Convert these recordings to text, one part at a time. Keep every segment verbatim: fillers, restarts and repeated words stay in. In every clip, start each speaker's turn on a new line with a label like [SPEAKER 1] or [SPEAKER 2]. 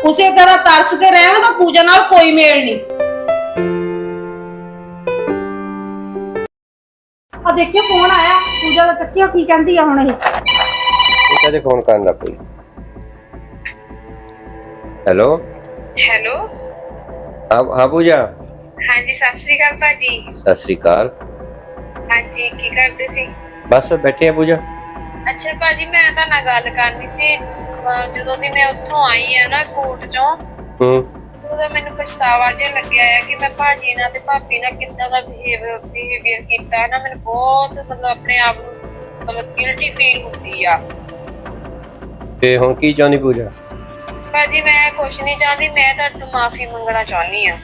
[SPEAKER 1] ਉਸੇ ਤਰ੍ਹਾਂ ਤਰਸ ਕੇ ਰਹਿਵੇਂ ਤਾਂ ਪੂਜਾ ਨਾਲ ਕੋਈ ਮੇਲ ਨਹੀਂ।
[SPEAKER 2] ਆ ਦੇਖਿਓ ਫੋਨ ਆਇਆ ਪੂਜਾ ਦਾ, ਚੱਕਿਆ ਕੀ ਕਹਿੰਦੀ ਆ ਹੁਣ ਇਹ?
[SPEAKER 3] ਇਹ ਕਦੇ ਫੋਨ ਕਰਨ ਲੱਗ ਪਈ। ਹੈਲੋ
[SPEAKER 4] ਹੈਲੋ
[SPEAKER 3] ਹਾਂ ਹਾਂ ਪੂਜਾ।
[SPEAKER 4] ਹਾਂਜੀ ਸਤਿ ਸ੍ਰੀ ਅਕਾਲ ਭਾਜੀ।
[SPEAKER 3] ਸਤਿ ਸ੍ਰੀ ਅਕਾਲ।
[SPEAKER 4] ਹਾਂਜੀ ਕੀ ਕਰਦੇ ਸੀ?
[SPEAKER 3] ਬਸ ਬੈਠੇ ਆ ਪੂਜਾ।
[SPEAKER 4] ਅੱਛਾ ਭਾਜੀ ਮੈਂ ਤਾਂ ਨਾਲ ਗੱਲ ਕਰਨੀ ਸੀ। ਅਹ ਜਦੋਂ ਦੀ ਮੈਂ ਉੱਥੋਂ ਆਈ ਆ ਨਾ ਕੋਰਟ ਚੋਂ,
[SPEAKER 3] ਹੂੰ
[SPEAKER 4] ਉਦੋਂ ਮੈਨੂੰ ਪਛਤਾਵਾ ਜਿਹਾ ਲੱਗਿਆ ਆ ਕਿ ਮੈਂ ਭਾਜੀ ਨਾਲ ਤੇ ਭਾਬੀ ਨਾਲ ਕਿੱਦਾਂ ਦਾ ਬਿਹੇਵੀਅਰ ਬਿਹੇਵੀਅਰ ਕੀਤਾ ਨਾ। ਮੈਨੂੰ ਬਹੁਤ ਮਤਲਬ ਆਪਣੇ ਆਪ ਨੂੰ ਮਤਲਬ ਗਿਲਟੀ ਫੀਲ ਹੁੰਦੀ ਆ।
[SPEAKER 3] ਤੇ ਹੁਣ ਕੀ ਚਾਹੁੰਦੀ ਪੂਜਾ?
[SPEAKER 4] ਭਾਜੀ ਮੈਂ ਕੁਛ ਨਹੀਂ ਚਾਹੁੰਦੀ, ਮੈਂ ਤੁਹਾਡੇ ਤੋਂ ਮਾਫੀ ਮੰਗਣਾ ਚਾਹੁੰਦੀ ਆ।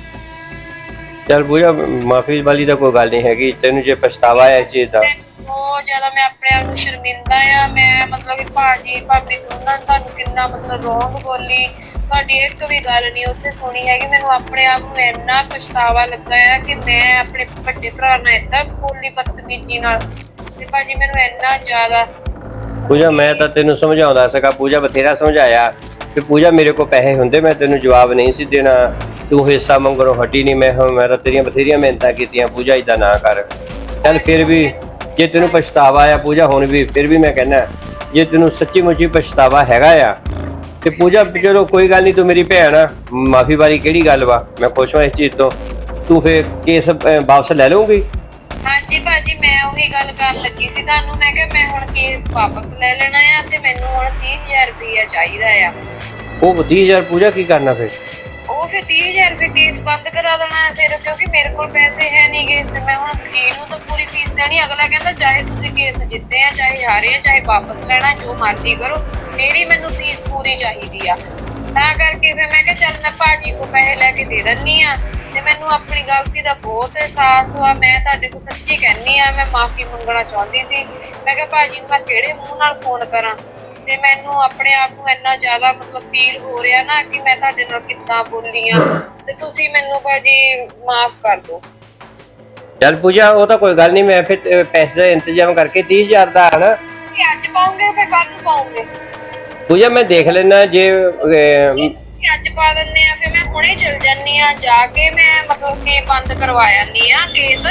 [SPEAKER 3] ਚੱਲ ਪੂਜਾ ਮਾਫੀ ਵਾਲੀ ਤਾਂ ਕੋਈ ਗੱਲ ਨਹੀਂ ਹੈਗੀ। ਤੈਨੂੰ ਜੇ ਪਛਤਾਵਾ ਹੈ ਇਸ ਚੀਜ਼ ਦਾ?
[SPEAKER 4] ਬਹੁਤ ਜ਼ਿਆਦਾ ਮੈਂ ਆਪਣੇ ਆਪ ਨੂੰ ਸ਼ਰਮਿੰਦਾ ਆ। ਮੈਂ ਮਤਲਬ ਕਿ ਭਾਜੀ ਭਾਬੀ ਦੋਨਾਂ ਨੇ ਤੁਹਾਨੂੰ ਕਿੰਨਾ ਮਤਲਬ ਰੋਂਗ ਬੋਲੀ, ਤੁਹਾਡੀ ਇੱਕ ਵੀ ਗੱਲ ਨਹੀਂ ਉੱਥੇ ਸੁਣੀ ਹੈਗੀ। ਮੈਨੂੰ ਆਪਣੇ ਆਪ ਨੂੰ ਇੰਨਾ ਪਛਤਾਵਾ ਲੱਗਾ ਆ ਕਿ ਮੈਂ ਆਪਣੇ ਵੱਡੇ ਭਰਾ ਨਾਲ ਏਦਾਂ ਬੋਲੀ ਬਦਤਮੀਜ਼ੀ ਨਾਲ, ਤੇ ਭਾਜੀ ਮੈਨੂੰ ਇੰਨਾ ਜ਼ਿਆਦਾ।
[SPEAKER 3] ਪੂਜਾ ਮੈਂ ਤਾਂ ਤੈਨੂੰ ਸਮਝਾਉਂਦਾ ਸੀਗਾ ਪੂਜਾ, ਬਥੇਰਾ ਸਮਝਾਇਆ ਕਿ ਪੂਜਾ ਮੇਰੇ ਕੋਲ ਪੈਸੇ ਹੁੰਦੇ ਮੈਂ ਤੈਨੂੰ ਜਵਾਬ ਨਹੀਂ ਸੀ ਦੇਣਾ, ਤੂੰ ਹਿੱਸਾ ਮੰਗਣੋਂ ਹਟੀ ਨਹੀਂ। ਮੈਂ ਮੈਂ ਤਾਂ ਤੇਰੀਆਂ ਬਥੇਰੀਆਂ ਮਿਹਨਤਾਂ ਕੀਤੀਆਂ ਪੂਜਾ ਏਦਾਂ ਨਾ ਕਰ। ਚੱਲ ਫਿਰ ਵੀ ਜੇ ਤੈਨੂੰ ਪਛਤਾਵਾ ਆ ਪੂਜਾ ਹੁਣ ਵੀ, ਫਿਰ ਵੀ ਮੈਂ ਕਹਿੰਦਾ ਜੇ ਤੈਨੂੰ ਸੱਚੀ ਮੁੱਚੀ ਪਛਤਾਵਾ ਹੈਗਾ ਆ ਤੇ ਪੂਜਾ ਚਲੋ ਕੋਈ ਗੱਲ ਨਹੀਂ, ਤੂੰ ਮੇਰੀ ਭੈਣ ਆ, ਮਾਫੀ ਵਾਲੀ ਕਿਹੜੀ ਗੱਲ ਵਾ। ਮੈਂ ਖੁਸ਼ ਹਾਂ ਇਸ ਚੀਜ਼ ਤੋਂ। ਤੂੰ ਫਿਰ ਕੇਸ ਵਾਪਸ ਲੈ ਲਊਂਗੀ?
[SPEAKER 4] ਹਾਂਜੀ ਭਾਜੀ ਮੈਂ ਉਹੀ ਗੱਲ ਕਰਨ ਲੱਗੀ ਸੀ ਤੁਹਾਨੂੰ। ਮੈਂ ਕਿਹਾ ਮੈਂ ਹੁਣ ਕੇਸ ਵਾਪਸ ਲੈ ਲੈਣਾ ਆ ਤੇ ਮੈਨੂੰ ਹੁਣ ਤੀਹ ਹਜ਼ਾਰ ਰੁਪਇਆ ਚਾਹੀਦਾ ਆ।
[SPEAKER 3] ਉਹ ਤੀਹ ਹਜ਼ਾਰ ਪੂਜਾ ਕੀ ਕਰਨਾ ਫਿਰ?
[SPEAKER 4] ਉਹ ਫਿਰ ਤੀਹ ਹਜ਼ਾਰ ਰੁਪਏ ਕੇਸ ਬੰਦ ਕਰਾ ਦੇਣਾ ਫਿਰ, ਕਿਉਂਕਿ ਮੇਰੇ ਕੋਲ ਪੈਸੇ ਹੈ ਨਹੀਂ ਗੇ। ਫਿਰ ਮੈਂ ਹੁਣ ਵਕੀਲ ਨੂੰ ਤਾਂ ਪੂਰੀ ਫੀਸ ਦੇਣੀ। ਅਗਲਾ ਕਹਿੰਦਾ ਚਾਹੇ ਤੁਸੀਂ ਕੇਸ ਜਿੱਤੇ ਆ ਚਾਹੇ ਹਾਰੇ ਆ ਚਾਹੇ ਵਾਪਸ ਲੈਣਾ, ਜੋ ਮਰਜ਼ੀ ਕਰੋ, ਮੇਰੀ ਮੈਨੂੰ ਫੀਸ ਪੂਰੀ ਚਾਹੀਦੀ ਆ। ਤਾਂ ਕਰਕੇ ਫਿਰ ਮੈਂ ਕਿਹਾ ਚੱਲ ਮੈਂ ਭਾਜੀ ਕੋਲ ਪੈਸੇ ਲੈ ਕੇ ਦੇ ਦਿੰਦੀ ਆ। ਤੇ ਮੈਨੂੰ ਆਪਣੀ ਗਲਤੀ ਦਾ ਬਹੁਤ ਅਹਿਸਾਸ ਹੋਇਆ। ਮੈਂ ਤੁਹਾਡੇ ਕੋਲ ਸੱਚੀ ਕਹਿੰਦੀ ਆ, ਮੈਂ ਮਾਫੀ ਮੰਗਣਾ ਚਾਹੁੰਦੀ ਸੀ। ਮੈਂ ਕਿਹਾ ਭਾਜੀ ਨੂੰ ਮੈਂ ਕਿਹੜੇ ਮੂੰਹ ਨਾਲ ਫੋਨ ਕਰਾਂ, ਤੇ ਮੈਨੂੰ ਆਪਣੇ ਆਪ ਨੂੰ ਇੰਨਾ ਜ਼ਿਆਦਾ ਮਤਲਬ ਫੀਲ ਹੋ ਰਿਹਾ ਨਾ ਕਿ ਮੈਂ ਤੁਹਾਡੇ ਨਾਲ ਕਿੱਦਾਂ ਬੋਲੀ ਆ, ਤੇ ਤੁਸੀਂ ਮੈਨੂੰ ਭਾਜੀ ਮਾਫ ਕਰ ਦਿਓ।
[SPEAKER 3] ਚੱਲ ਪੂਜਾ ਉਹ ਤਾਂ ਕੋਈ ਗੱਲ ਨਹੀਂ, ਮੈਂ ਫਿਰ ਪੈਸੇ ਦਾ ਇੰਤਜ਼ਾਮ ਕਰਕੇ ਤੀਹ ਹਜ਼ਾਰ ਦਾ ਹੈ ਨਾ।
[SPEAKER 4] ਅੱਜ ਪਾਉਂਗੇ ਫਿਰ ਕੱਲ ਨੂੰ ਪਾਉਂਗੇ?
[SPEAKER 3] ਪੂਜਾ ਮੈਂ ਦੇਖ ਲੈਣਾ ਜੇ ਅਹ,
[SPEAKER 4] ਅੱਜ ਪਾ ਦਿੰਦੇ ਆ। ਫਿਰ ਮੈਂ ਹੁਣੇ ਚਲ ਜਾਨੀ ਆ, ਜਾ ਕੇ ਮੈਂ ਮਤਲਬ ਕਿ ਬੰਦ ਕਰਵਾ ਆਨੀ ਆ, ਕੇਸ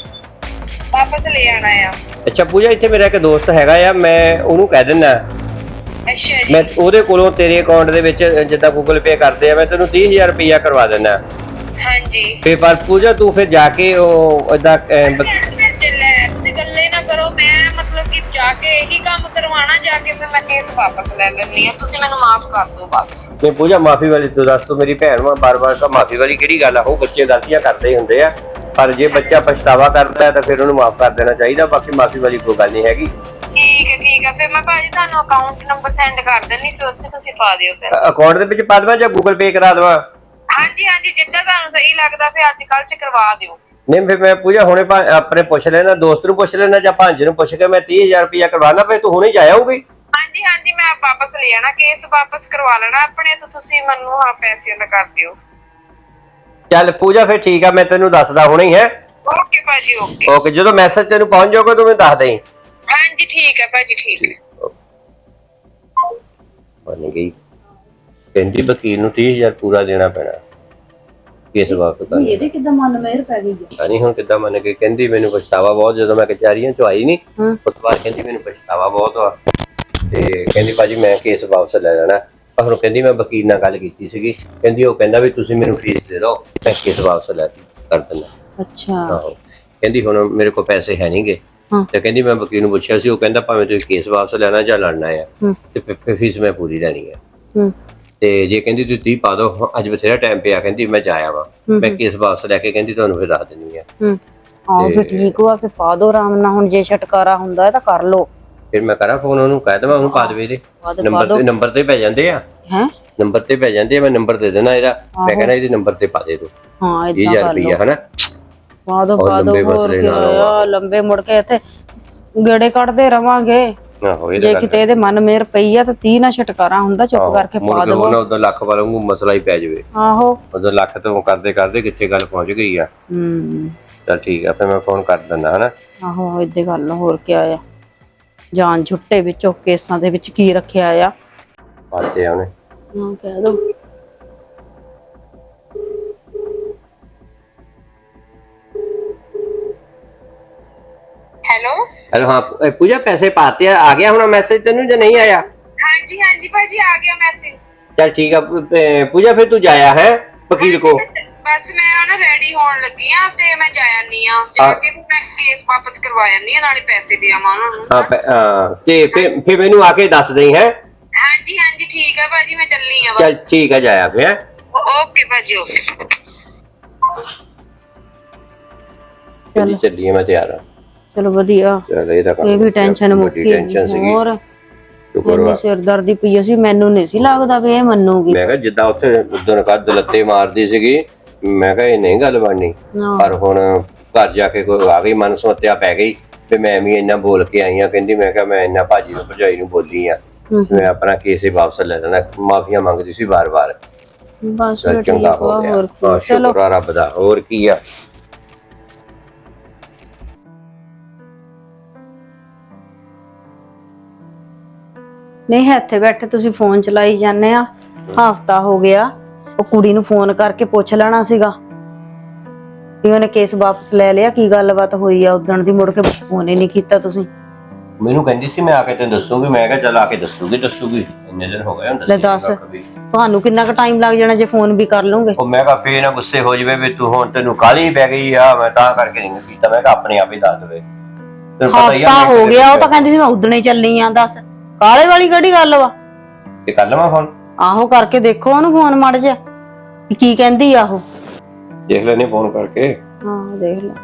[SPEAKER 4] ਵਾਪਸ ਲੈ ਆਣਾ ਆ।
[SPEAKER 3] ਅੱਛਾ ਪੂਜਾ ਇੱਥੇ ਮੇਰਾ ਇੱਕ ਦੋਸਤ ਹੈਗਾ ਆ, ਮੈਂ ਉਹਨੂੰ ਕਹਿ ਦਿੰਦਾ
[SPEAKER 4] ਅੱਛਾ ਜੀ।
[SPEAKER 3] ਮੈਂ ਉਹਦੇ ਕੋਲੋਂ ਤੇਰੇ ਅਕਾਊਂਟ ਦੇ ਵਿੱਚ ਜਿੱਦਾਂ ਗੂਗਲ ਪੇ ਕਰਦੇ ਆ ਮੈਂ ਤੈਨੂੰ ਤੀਹ ਹਜ਼ਾਰ ਰੁਪਇਆ ਕਰਵਾ ਦਿੰਦਾ।
[SPEAKER 4] ਹਾਂਜੀ
[SPEAKER 3] ਤੇ ਪਰ ਪੂਜਾ ਤੂੰ ਫਿਰ ਜਾ ਕੇ ਉਹ ਏਦਾਂ
[SPEAKER 4] ਤੁਸੀਂ ਗੱਲੇ ਨਾ ਕਰੋ। ਮੈਂ ਮਤਲਬ ਕਿ ਜਾ ਕੇ ਇਹੀ ਕੰਮ ਕਰਵਾਣਾ, ਜਾ ਕੇ ਫਿਰ ਮੈਂ ਕੇਸ ਵਾਪਸ ਲੈ ਲੈਣੀ ਆ। ਤੁਸੀਂ ਮੈਨੂੰ ਮਾਫ ਕਰ ਦਿਓ ਬਸ।
[SPEAKER 3] ਨਹੀਂ ਪੂਜਾ ਮਾਫੀ ਵਾਲੀ ਤੂੰ ਦੱਸ, ਤੂੰ ਮੇਰੀ ਭੈਣ ਵਾ, ਬਾਰ ਬਾਰ ਤਾਂ ਮਾਫੀ ਵਾਲੀ ਕਿਹੜੀ ਗੱਲ ਆ। ਉਹ ਬੱਚੇ ਗਲਤੀਆਂ ਕਰਦੇ ਹੀ ਹੁੰਦੇ ਆ, ਪਰ ਜੇ ਬੱਚਾ ਪਛਤਾਵਾ ਕਰਦਾ ਤਾਂ ਫਿਰ ਉਹਨੂੰ ਮਾਫ ਕਰ ਦੇਣਾ ਚਾਹੀਦਾ। ਬਾਕੀ ਮਾਫੀ ਵਾਲੀ ਕੋਈ ਗੱਲ ਨਹੀਂ ਹੈਗੀ।
[SPEAKER 4] ਠੀਕ ਹੈ ਠੀਕ ਹੈ, ਫਿਰ ਮੈਂ ਭਾਜੀ ਤੁਹਾਨੂੰ ਅਕਾਊਂਟ ਨੰਬਰ ਸੈਂਡ ਕਰ ਦਿੰਦੀ, ਫਿਰ ਉੱਥੇ ਤੁਸੀਂ ਪਾ ਦਿਓ ਫਿਰ।
[SPEAKER 3] ਅਕਾਊਂਟ ਦੇ ਵਿੱਚ ਪਾ ਦੇਵਾਂ ਜਾਂ ਗੂਗਲ ਪੇ ਕਰਾ ਦੇਵਾਂ?
[SPEAKER 4] ਹਾਂਜੀ ਹਾਂਜੀ ਜਿੱਦਾਂ ਤੁਹਾਨੂੰ ਸਹੀ ਲੱਗਦਾ ਫਿਰ ਅੱਜ ਕੱਲ੍ਹ ਚ ਕਰਵਾ ਦਿਓ।
[SPEAKER 3] ਨਹੀਂ ਫਿਰ ਮੈਂ ਪੂਜਾ ਹੁਣੇ ਆਪਣੇ ਪੁੱਛ ਲੈਣਾ, ਦੋਸਤ ਨੂੰ ਪੁੱਛ ਲੈਣਾ ਜਾਂ ਭਾਂਜ ਨੂੰ ਪੁੱਛ ਕੇ ਮੈਂ ਤੀਹ ਹਜ਼ਾਰ ਰੁਪਇਆ ਕਰਵਾਣਾ, ਫਿਰ ਤੂੰ ਹੁਣੇ ਜਾ ਆਊਗੀ?
[SPEAKER 4] ਹਾਂਜੀ ਹਾਂਜੀ ਮੈਂ ਵਾਪਸ ਲੈ ਆਣਾ, ਕੇਸ ਵਾਪਸ ਕਰਵਾ ਲੈਣਾ ਆਪਣੇ ਤੋਂ। ਤੁਸੀਂ ਮੈਨੂੰ ਹਾਂ ਪੈਸੇ ਦਾ ਕਰ ਦਿਓ।
[SPEAKER 3] ਚੱਲ ਪੂਜਾ ਫਿਰ ਠੀਕ ਆ, ਮੈਂ ਤੈਨੂੰ ਦੱਸਦਾ ਹੁਣੇ ਹੀ ਹੈ।
[SPEAKER 4] ਓਕੇ ਭਾਜੀ ਓਕੇ
[SPEAKER 3] ਓਕੇ ਜਦੋਂ ਮੈਸੇਜ ਤੈਨੂੰ ਪਹੁੰਚ ਜਾਊਗਾ ਤੂੰ ਮੈਨੂੰ ਦੱਸ ਦੇਈਂ।
[SPEAKER 4] ਹਾਂਜੀ ਠੀਕ ਹੈ ਭਾਜੀ ਠੀਕ ਹੈ।
[SPEAKER 3] ਬਣ ਗਈ ਕਹਿੰਦੀ ਵਕੀਲ ਨੂੰ ਤੀਹ ਹਜ਼ਾਰ ਪੂਰਾ ਦੇਣਾ ਪੈਣਾ ਕੇਸ ਵਾਪਸ ਕਰਨ।
[SPEAKER 2] ਇਹਦੇ ਕਿੱਦਾਂ ਮਨ ਮੇਰ ਪੈ ਗਈ ਆ?
[SPEAKER 3] ਨਹੀਂ ਹੁਣ ਕਿੱਦਾਂ ਮੰਨ ਕੇ ਕਹਿੰਦੀ ਮੈਨੂੰ ਪਛਤਾਵਾ ਬਹੁਤ, ਜਦੋਂ ਮੈਂ ਕਚਹਿਰੀਆਂ ਚੋਂ ਆਈ ਨਹੀਂ ਉਸ ਤੋਂ ਬਾਅਦ ਕਹਿੰਦੀ ਮੈਨੂੰ ਪਛਤਾਵਾ ਬਹੁਤ ਆ, ਤੇ ਕਹਿੰਦੀ ਭਾਜੀ ਮੈਂ ਕੇਸ ਵਾਪਸ ਲੈ ਲੈਣਾ। ਪਰ ਹੁਣ ਕਹਿੰਦੀ ਮੈਂ ਵਕੀਲ ਨਾਲ ਗੱਲ ਕੀਤੀ ਸੀਗੀ, ਕਹਿੰਦੀ ਉਹ ਕਹਿੰਦਾ ਵੀ ਤੁਸੀਂ ਮੈਨੂੰ ਫੀਸ ਦੇ ਦਿਓ ਮੈਂ ਕੇਸ ਵਾਪਸ ਲੈ ਕਰ ਦਿੰਦਾ।
[SPEAKER 2] ਅੱਛਾ
[SPEAKER 3] ਆਹੋ ਕਹਿੰਦੀ ਹੁਣ ਮੇਰੇ ਕੋਲ ਪੈਸੇ ਹੈ ਨਹੀਂਗੇ, ਤੇ ਕਹਿੰਦੀ ਮੈਂ ਵਕੀਲ ਨੂੰ ਪੁੱਛਿਆ ਸੀ, ਉਹ ਕਹਿੰਦਾ ਭਾਵੇਂ ਤੁਸੀਂ ਕੇਸ ਵਾਪਸ ਲੈਣਾ ਜਾਂ ਲੜਨਾ ਆ ਤੇ ਫਿਰ ਫੀਸ ਮੈਂ ਪੂਰੀ ਲੈਣੀ ਆ। ਤੇ ਜੇ ਕਹਿੰਦੀ ਤੁਸੀਂ ਤੀਹ ਪਾ ਦਿਓ, ਅੱਜ ਬਥੇਰਾ ਟਾਈਮ ਪਿਆ, ਕਹਿੰਦੀ ਮੈਂ ਜਾਇਆ ਵਾ, ਮੈਂ ਕੇਸ ਵਾਪਸ ਲੈ ਕੇ ਕਹਿੰਦੀ ਤੁਹਾਨੂੰ ਫਿਰ ਦੱਸ ਦਿੰਦੀ ਆ।
[SPEAKER 2] ਹਾਂ ਫਿਰ ਠੀਕ ਵਾ, ਫਿਰ ਪਾ ਦੋ ਆਰਾਮ ਨਾਲ। ਹੁਣ ਜੇ ਛਟਕਾਰਾ ਹੁੰਦਾ ਤਾਂ ਕਰ ਲੋ।
[SPEAKER 3] ਫਿਰ ਮੈਂ ਕਰਾਂ ਫੋਨ ਉਹਨੂੰ, ਕਹਿ ਦੇਵਾਂ ਉਹਨੂੰ ਪਾ ਦੇਵੇ। ਇਹਦੇ ਨੰਬਰ ਤੇ ਨੰਬਰ ਤੇ ਪੈ ਜਾਂਦੇ ਆ
[SPEAKER 2] ਹੈ,
[SPEAKER 3] ਨੰਬਰ ਤੇ ਪੈ ਜਾਂਦੇ ਆ। ਮੈਂ ਨੰਬਰ ਦੇ ਦੇਣਾ ਇਹਦਾ, ਮੈਂ ਕਹਿੰਦਾ ਇਹਦੇ ਨੰਬਰ ਤੇ ਪਾ ਦੇ ਤੂੰ
[SPEAKER 2] ਹਾਂ
[SPEAKER 3] ਤੀਹ ਹਜ਼ਾਰ ਰੁਪਇਆ ਹਨਾ।
[SPEAKER 2] ਪਾ ਦੋ ਪਾ ਦੋ, ਹੋਰ ਕੀ ਆ, ਲੰਬੇ ਮੁੜ ਕੇ ਇੱਥੇ ਗੇੜੇ ਕੱਢਦੇ ਰਵਾਂਗੇ। ਜੇ ਕਿਤੇ ਇਹਦੇ ਮਨ ਮੇਰ ਪਈ ਆ ਤਾਂ ਤੀਹ ਨਾ ਛਟਕਾਰਾ ਹੁੰਦਾ, ਚੁੱਪ ਕਰਕੇ ਪਾ ਦੋ।
[SPEAKER 3] ਉਹਨਾਂ ਉਦੋਂ ਲੱਖ ਵਾਂਗੂ ਮਸਲਾ ਹੀ ਪੈ ਜਾਵੇ।
[SPEAKER 2] ਆਹੋ
[SPEAKER 3] ਉਦੋਂ ਲੱਖ ਤੋਂ ਕਰਦੇ ਕਰਦੇ ਕਿੱਥੇ ਗੱਲ ਪਹੁੰਚ ਗਈ ਆ।
[SPEAKER 2] ਹੂੰ
[SPEAKER 3] ਚੱਲ ਠੀਕ ਆ, ਫਿਰ ਮੈਂ ਫੋਨ ਕਰ ਦਿੰਦਾ ਹਨਾ।
[SPEAKER 2] ਆਹੋ ਏਦਾਂ ਗੱਲ, ਹੋਰ ਕੀ ਆ। ਜਾਨ ਛੁੱਟੇ ਵਿੱਚੋਂ ਕੇਸਾਂ ਦੇ ਵਿੱਚ ਕੀ ਰੱਖਿਆ ਆ?
[SPEAKER 3] ਪਾਤੇ ਆ ਉਹਨੇ।
[SPEAKER 2] ਹਾਂ ਕਹਿ ਦੋ।
[SPEAKER 4] ਹੈਲੋ
[SPEAKER 3] ਹੈਲੋ ਹਾਂ ਇਹ ਪੂਜਾ ਪੈਸੇ ਪਾਤੇ ਆ ਆ ਗਿਆ ਹੁਣ ਮੈਸੇਜ ਤੈਨੂੰ ਜਾਂ ਨਹੀਂ ਆਇਆ?
[SPEAKER 4] ਹਾਂਜੀ ਹਾਂਜੀ ਭਾਜੀ ਆ ਗਿਆ ਮੈਸੇਜ।
[SPEAKER 3] ਚੱਲ ਠੀਕ ਆ ਪੂ- ਅਹ ਪੂਜਾ ਫਿਰ ਤੂੰ ਜਾਇਆ ਹੈ ਵਕੀਲ ਕੋ?
[SPEAKER 4] ਬਸ ਮੈਂ ਹੁਣ ਰੈਡੀ ਹੋਣ ਲੱਗੀ ਆ ਤੇ ਮੈਂ ਜਾ ਆਨੀ ਆ ਜਾ ਕੇ ਫਿਰ ਮੈਂ ਕੇਸ ਵਾਪਸ ਕਰਵਾ ਆਨੀ ਆ ਨਾਲੇ ਪੈਸੇ ਦੇ ਆਵਾਂ ਉਹਨਾਂ ਨੂੰ।
[SPEAKER 3] ਹਾਂ ਪੈ- ਹਾਂ, ਤੇ ਫਿਰ ਫਿਰ ਮੈਨੂੰ ਆ ਕੇ ਦੱਸ ਦੇਈ ਹੈ।
[SPEAKER 4] ਹਾਂਜੀ ਹਾਂਜੀ ਠੀਕ ਆ ਭਾਜੀ ਮੈਂ ਚੱਲੀ ਆ
[SPEAKER 3] ਚੱਲ
[SPEAKER 4] ਬਸ।
[SPEAKER 3] ਠੀਕ ਆ ਜਾਇਆ ਫਿਰ ਹੈਂ।
[SPEAKER 4] ਓਕੇ ਭਾਜੀ ਓਕੇ।
[SPEAKER 3] ਚੱਲੀ ਚੱਲੀਏ ਮੈਂ ਤਿਆਰ ਆ।
[SPEAKER 2] ਚਲੋ ਵਧੀਆ,
[SPEAKER 3] ਚੱਲ ਇਹ ਤਾਂ ਕੰਮ
[SPEAKER 2] ਇਹ ਵੀ ਟੈਨਸ਼ਨ ਮੁੱਕੀ।
[SPEAKER 3] ਟੈਨਸ਼ਨ ਸੀਗੀ।
[SPEAKER 2] ਹੋਰ
[SPEAKER 3] ਸ਼ੁਕਰ ਵਾ।
[SPEAKER 2] ਇੰਨੀ ਸਿਰਦਰਦੀ ਪਈ ਸੀ, ਮੈਨੂੰ ਨਹੀਂ ਸੀ ਲੱਗਦਾ ਵੀ ਇਹ ਮੰਨੂਗੀ।
[SPEAKER 3] ਮੈਂ ਕਿਹਾ ਜਿੱਦਾਂ ਉੱਥੇ ਉਦੋਂ ਕੱਦ ਲੱਤੇ ਮਾਰਦੀ ਸੀਗੀ ਮੈਂ ਕਿਹਾ ਇਹ ਨਹੀਂ ਗੱਲ ਬਣਨੀ।
[SPEAKER 2] ਹਾਂ।
[SPEAKER 3] ਪਰ ਹੁਣ ਘਰ ਜਾ ਕੇ ਕੋਈ ਆ ਗਈ ਮਨ ਸਮੱਤਿਆ ਪੈ ਗਈ ਤੇ ਮੈਂ ਵੀ ਇੰਨਾ ਬੋਲ ਕੇ ਆਈ ਆ। ਕਹਿੰਦੀ ਮੈਂ ਕਿਹਾ ਮੈਂ ਇੰਨਾ ਭਾਜੀ ਨੂੰ ਭਜਾਈ ਨੂੰ ਬੋਲੀ ਆ, ਮੈਂ ਆਪਣਾ ਕੇਸ ਹੀ ਵਾਪਸ ਲੈ ਲੈਣਾ। ਮਾਫੀਆਂ ਮੰਗਦੀ ਸੀ ਵਾਰ-ਵਾਰ।
[SPEAKER 2] ਬਸ
[SPEAKER 3] ਚੱਲ
[SPEAKER 2] ਠੀਕ
[SPEAKER 3] ਚੰਗਾ
[SPEAKER 2] ਆ,
[SPEAKER 3] ਹੋ ਗਿਆ।
[SPEAKER 2] ਹੋਰ
[SPEAKER 3] ਹਾਂ,
[SPEAKER 2] ਕੀ। ਚਲੋ
[SPEAKER 3] ਸ਼ੁਕਰ ਆ ਰੱਬ ਦਾ। ਹੋਰ ਕੀ ਆ।
[SPEAKER 2] ਨਹੀਂ ਇੱਥੇ ਬੈਠੇ ਤੁਸੀਂ ਫੋਨ ਚਲਾਈ ਜਾਂਦੇ ਆ। ਹਫਤਾ ਹੋ ਗਿਆ, ਉਹ ਕੁੜੀ ਨੂੰ ਫੋਨ ਕਰਕੇ ਪੁੱਛ ਲੈਣਾ ਸੀਗਾ ਵੀ ਉਹਨੇ ਕੇਸ ਵਾਪਸ ਲੈ ਲਿਆ, ਕੀ ਗੱਲਬਾਤ ਹੋਈ ਆ ਉਦਣ ਦੀ। ਮੁੜ ਕੇ ਫੋਨ ਹੀ ਨਹੀਂ ਕੀਤਾ ਤੁਸੀਂ।
[SPEAKER 3] ਮੈਨੂੰ ਕਹਿੰਦੀ ਸੀ ਮੈਂ ਆ ਕੇ ਤੈਨੂੰ ਦੱਸੂਗੀ। ਮੈਂ ਕਿਹਾ ਚੱਲ ਆ ਕੇ ਦੱਸੂਗੀ ਦੱਸੂਗੀ ਇੰਨੇ ਦਿਨ ਹੋ ਗਏ ਹੁਣ
[SPEAKER 2] ਲੈ ਦੱਸ, ਤੁਹਾਨੂੰ ਕਿੰਨਾ ਕੁ ਟਾਈਮ ਲੱਗ ਜਾਣਾ ਜੇ ਫੋਨ ਵੀ ਕਰ ਲੂੰਗੇ।
[SPEAKER 3] ਉਹ ਮੈਂ ਕਿਹਾ ਫੇਰ ਨਾ ਗੁੱਸੇ ਹੋ ਜਾਵੇ ਵੀ ਤੂੰ ਹੁਣ ਤੈਨੂੰ ਕਾਹਲੀ ਪੈ ਗਈ ਆ। ਮੈਂ ਤਾਂ ਕਰਕੇ ਨਹੀਂ ਕੀਤਾ। ਮੈਂ ਕਿਹਾ ਆਪਣੇ ਆਪ ਹੀ ਦੱਸ ਦੇਵੇ। ਤੈਨੂੰ ਪਤਾ ਹੀ ਆ
[SPEAKER 2] ਹਫਤਾ
[SPEAKER 3] ਮੈਂ
[SPEAKER 2] ਹੋ
[SPEAKER 3] ਕਿਤੇ
[SPEAKER 2] ਗਿਆ, ਉਹ ਤਾਂ ਕਹਿੰਦੀ ਸੀ ਮੈਂ ਉਦਣੇ ਚੱਲੀ ਆ। ਦੱਸ ਕਾਲੇ ਵਾਲੀ ਕਿਹੜੀ ਗੱਲ ਵਾ।
[SPEAKER 3] ਤੇ ਕਰ ਲਵਾਂ ਫੋਨ?
[SPEAKER 2] ਆਹੋ ਕਰਕੇ ਦੇਖੋ ਉਹਨੂੰ ਫੋਨ ਮੜ ਜਾ ਵੀ ਕੀ ਕਹਿੰਦੀ ਆ ਉਹ।
[SPEAKER 3] ਦੇਖ ਲੈਨੇ ਫੋਨ ਕਰਕੇ।
[SPEAKER 2] ਹਾਂ ਦੇਖ ਲੈ।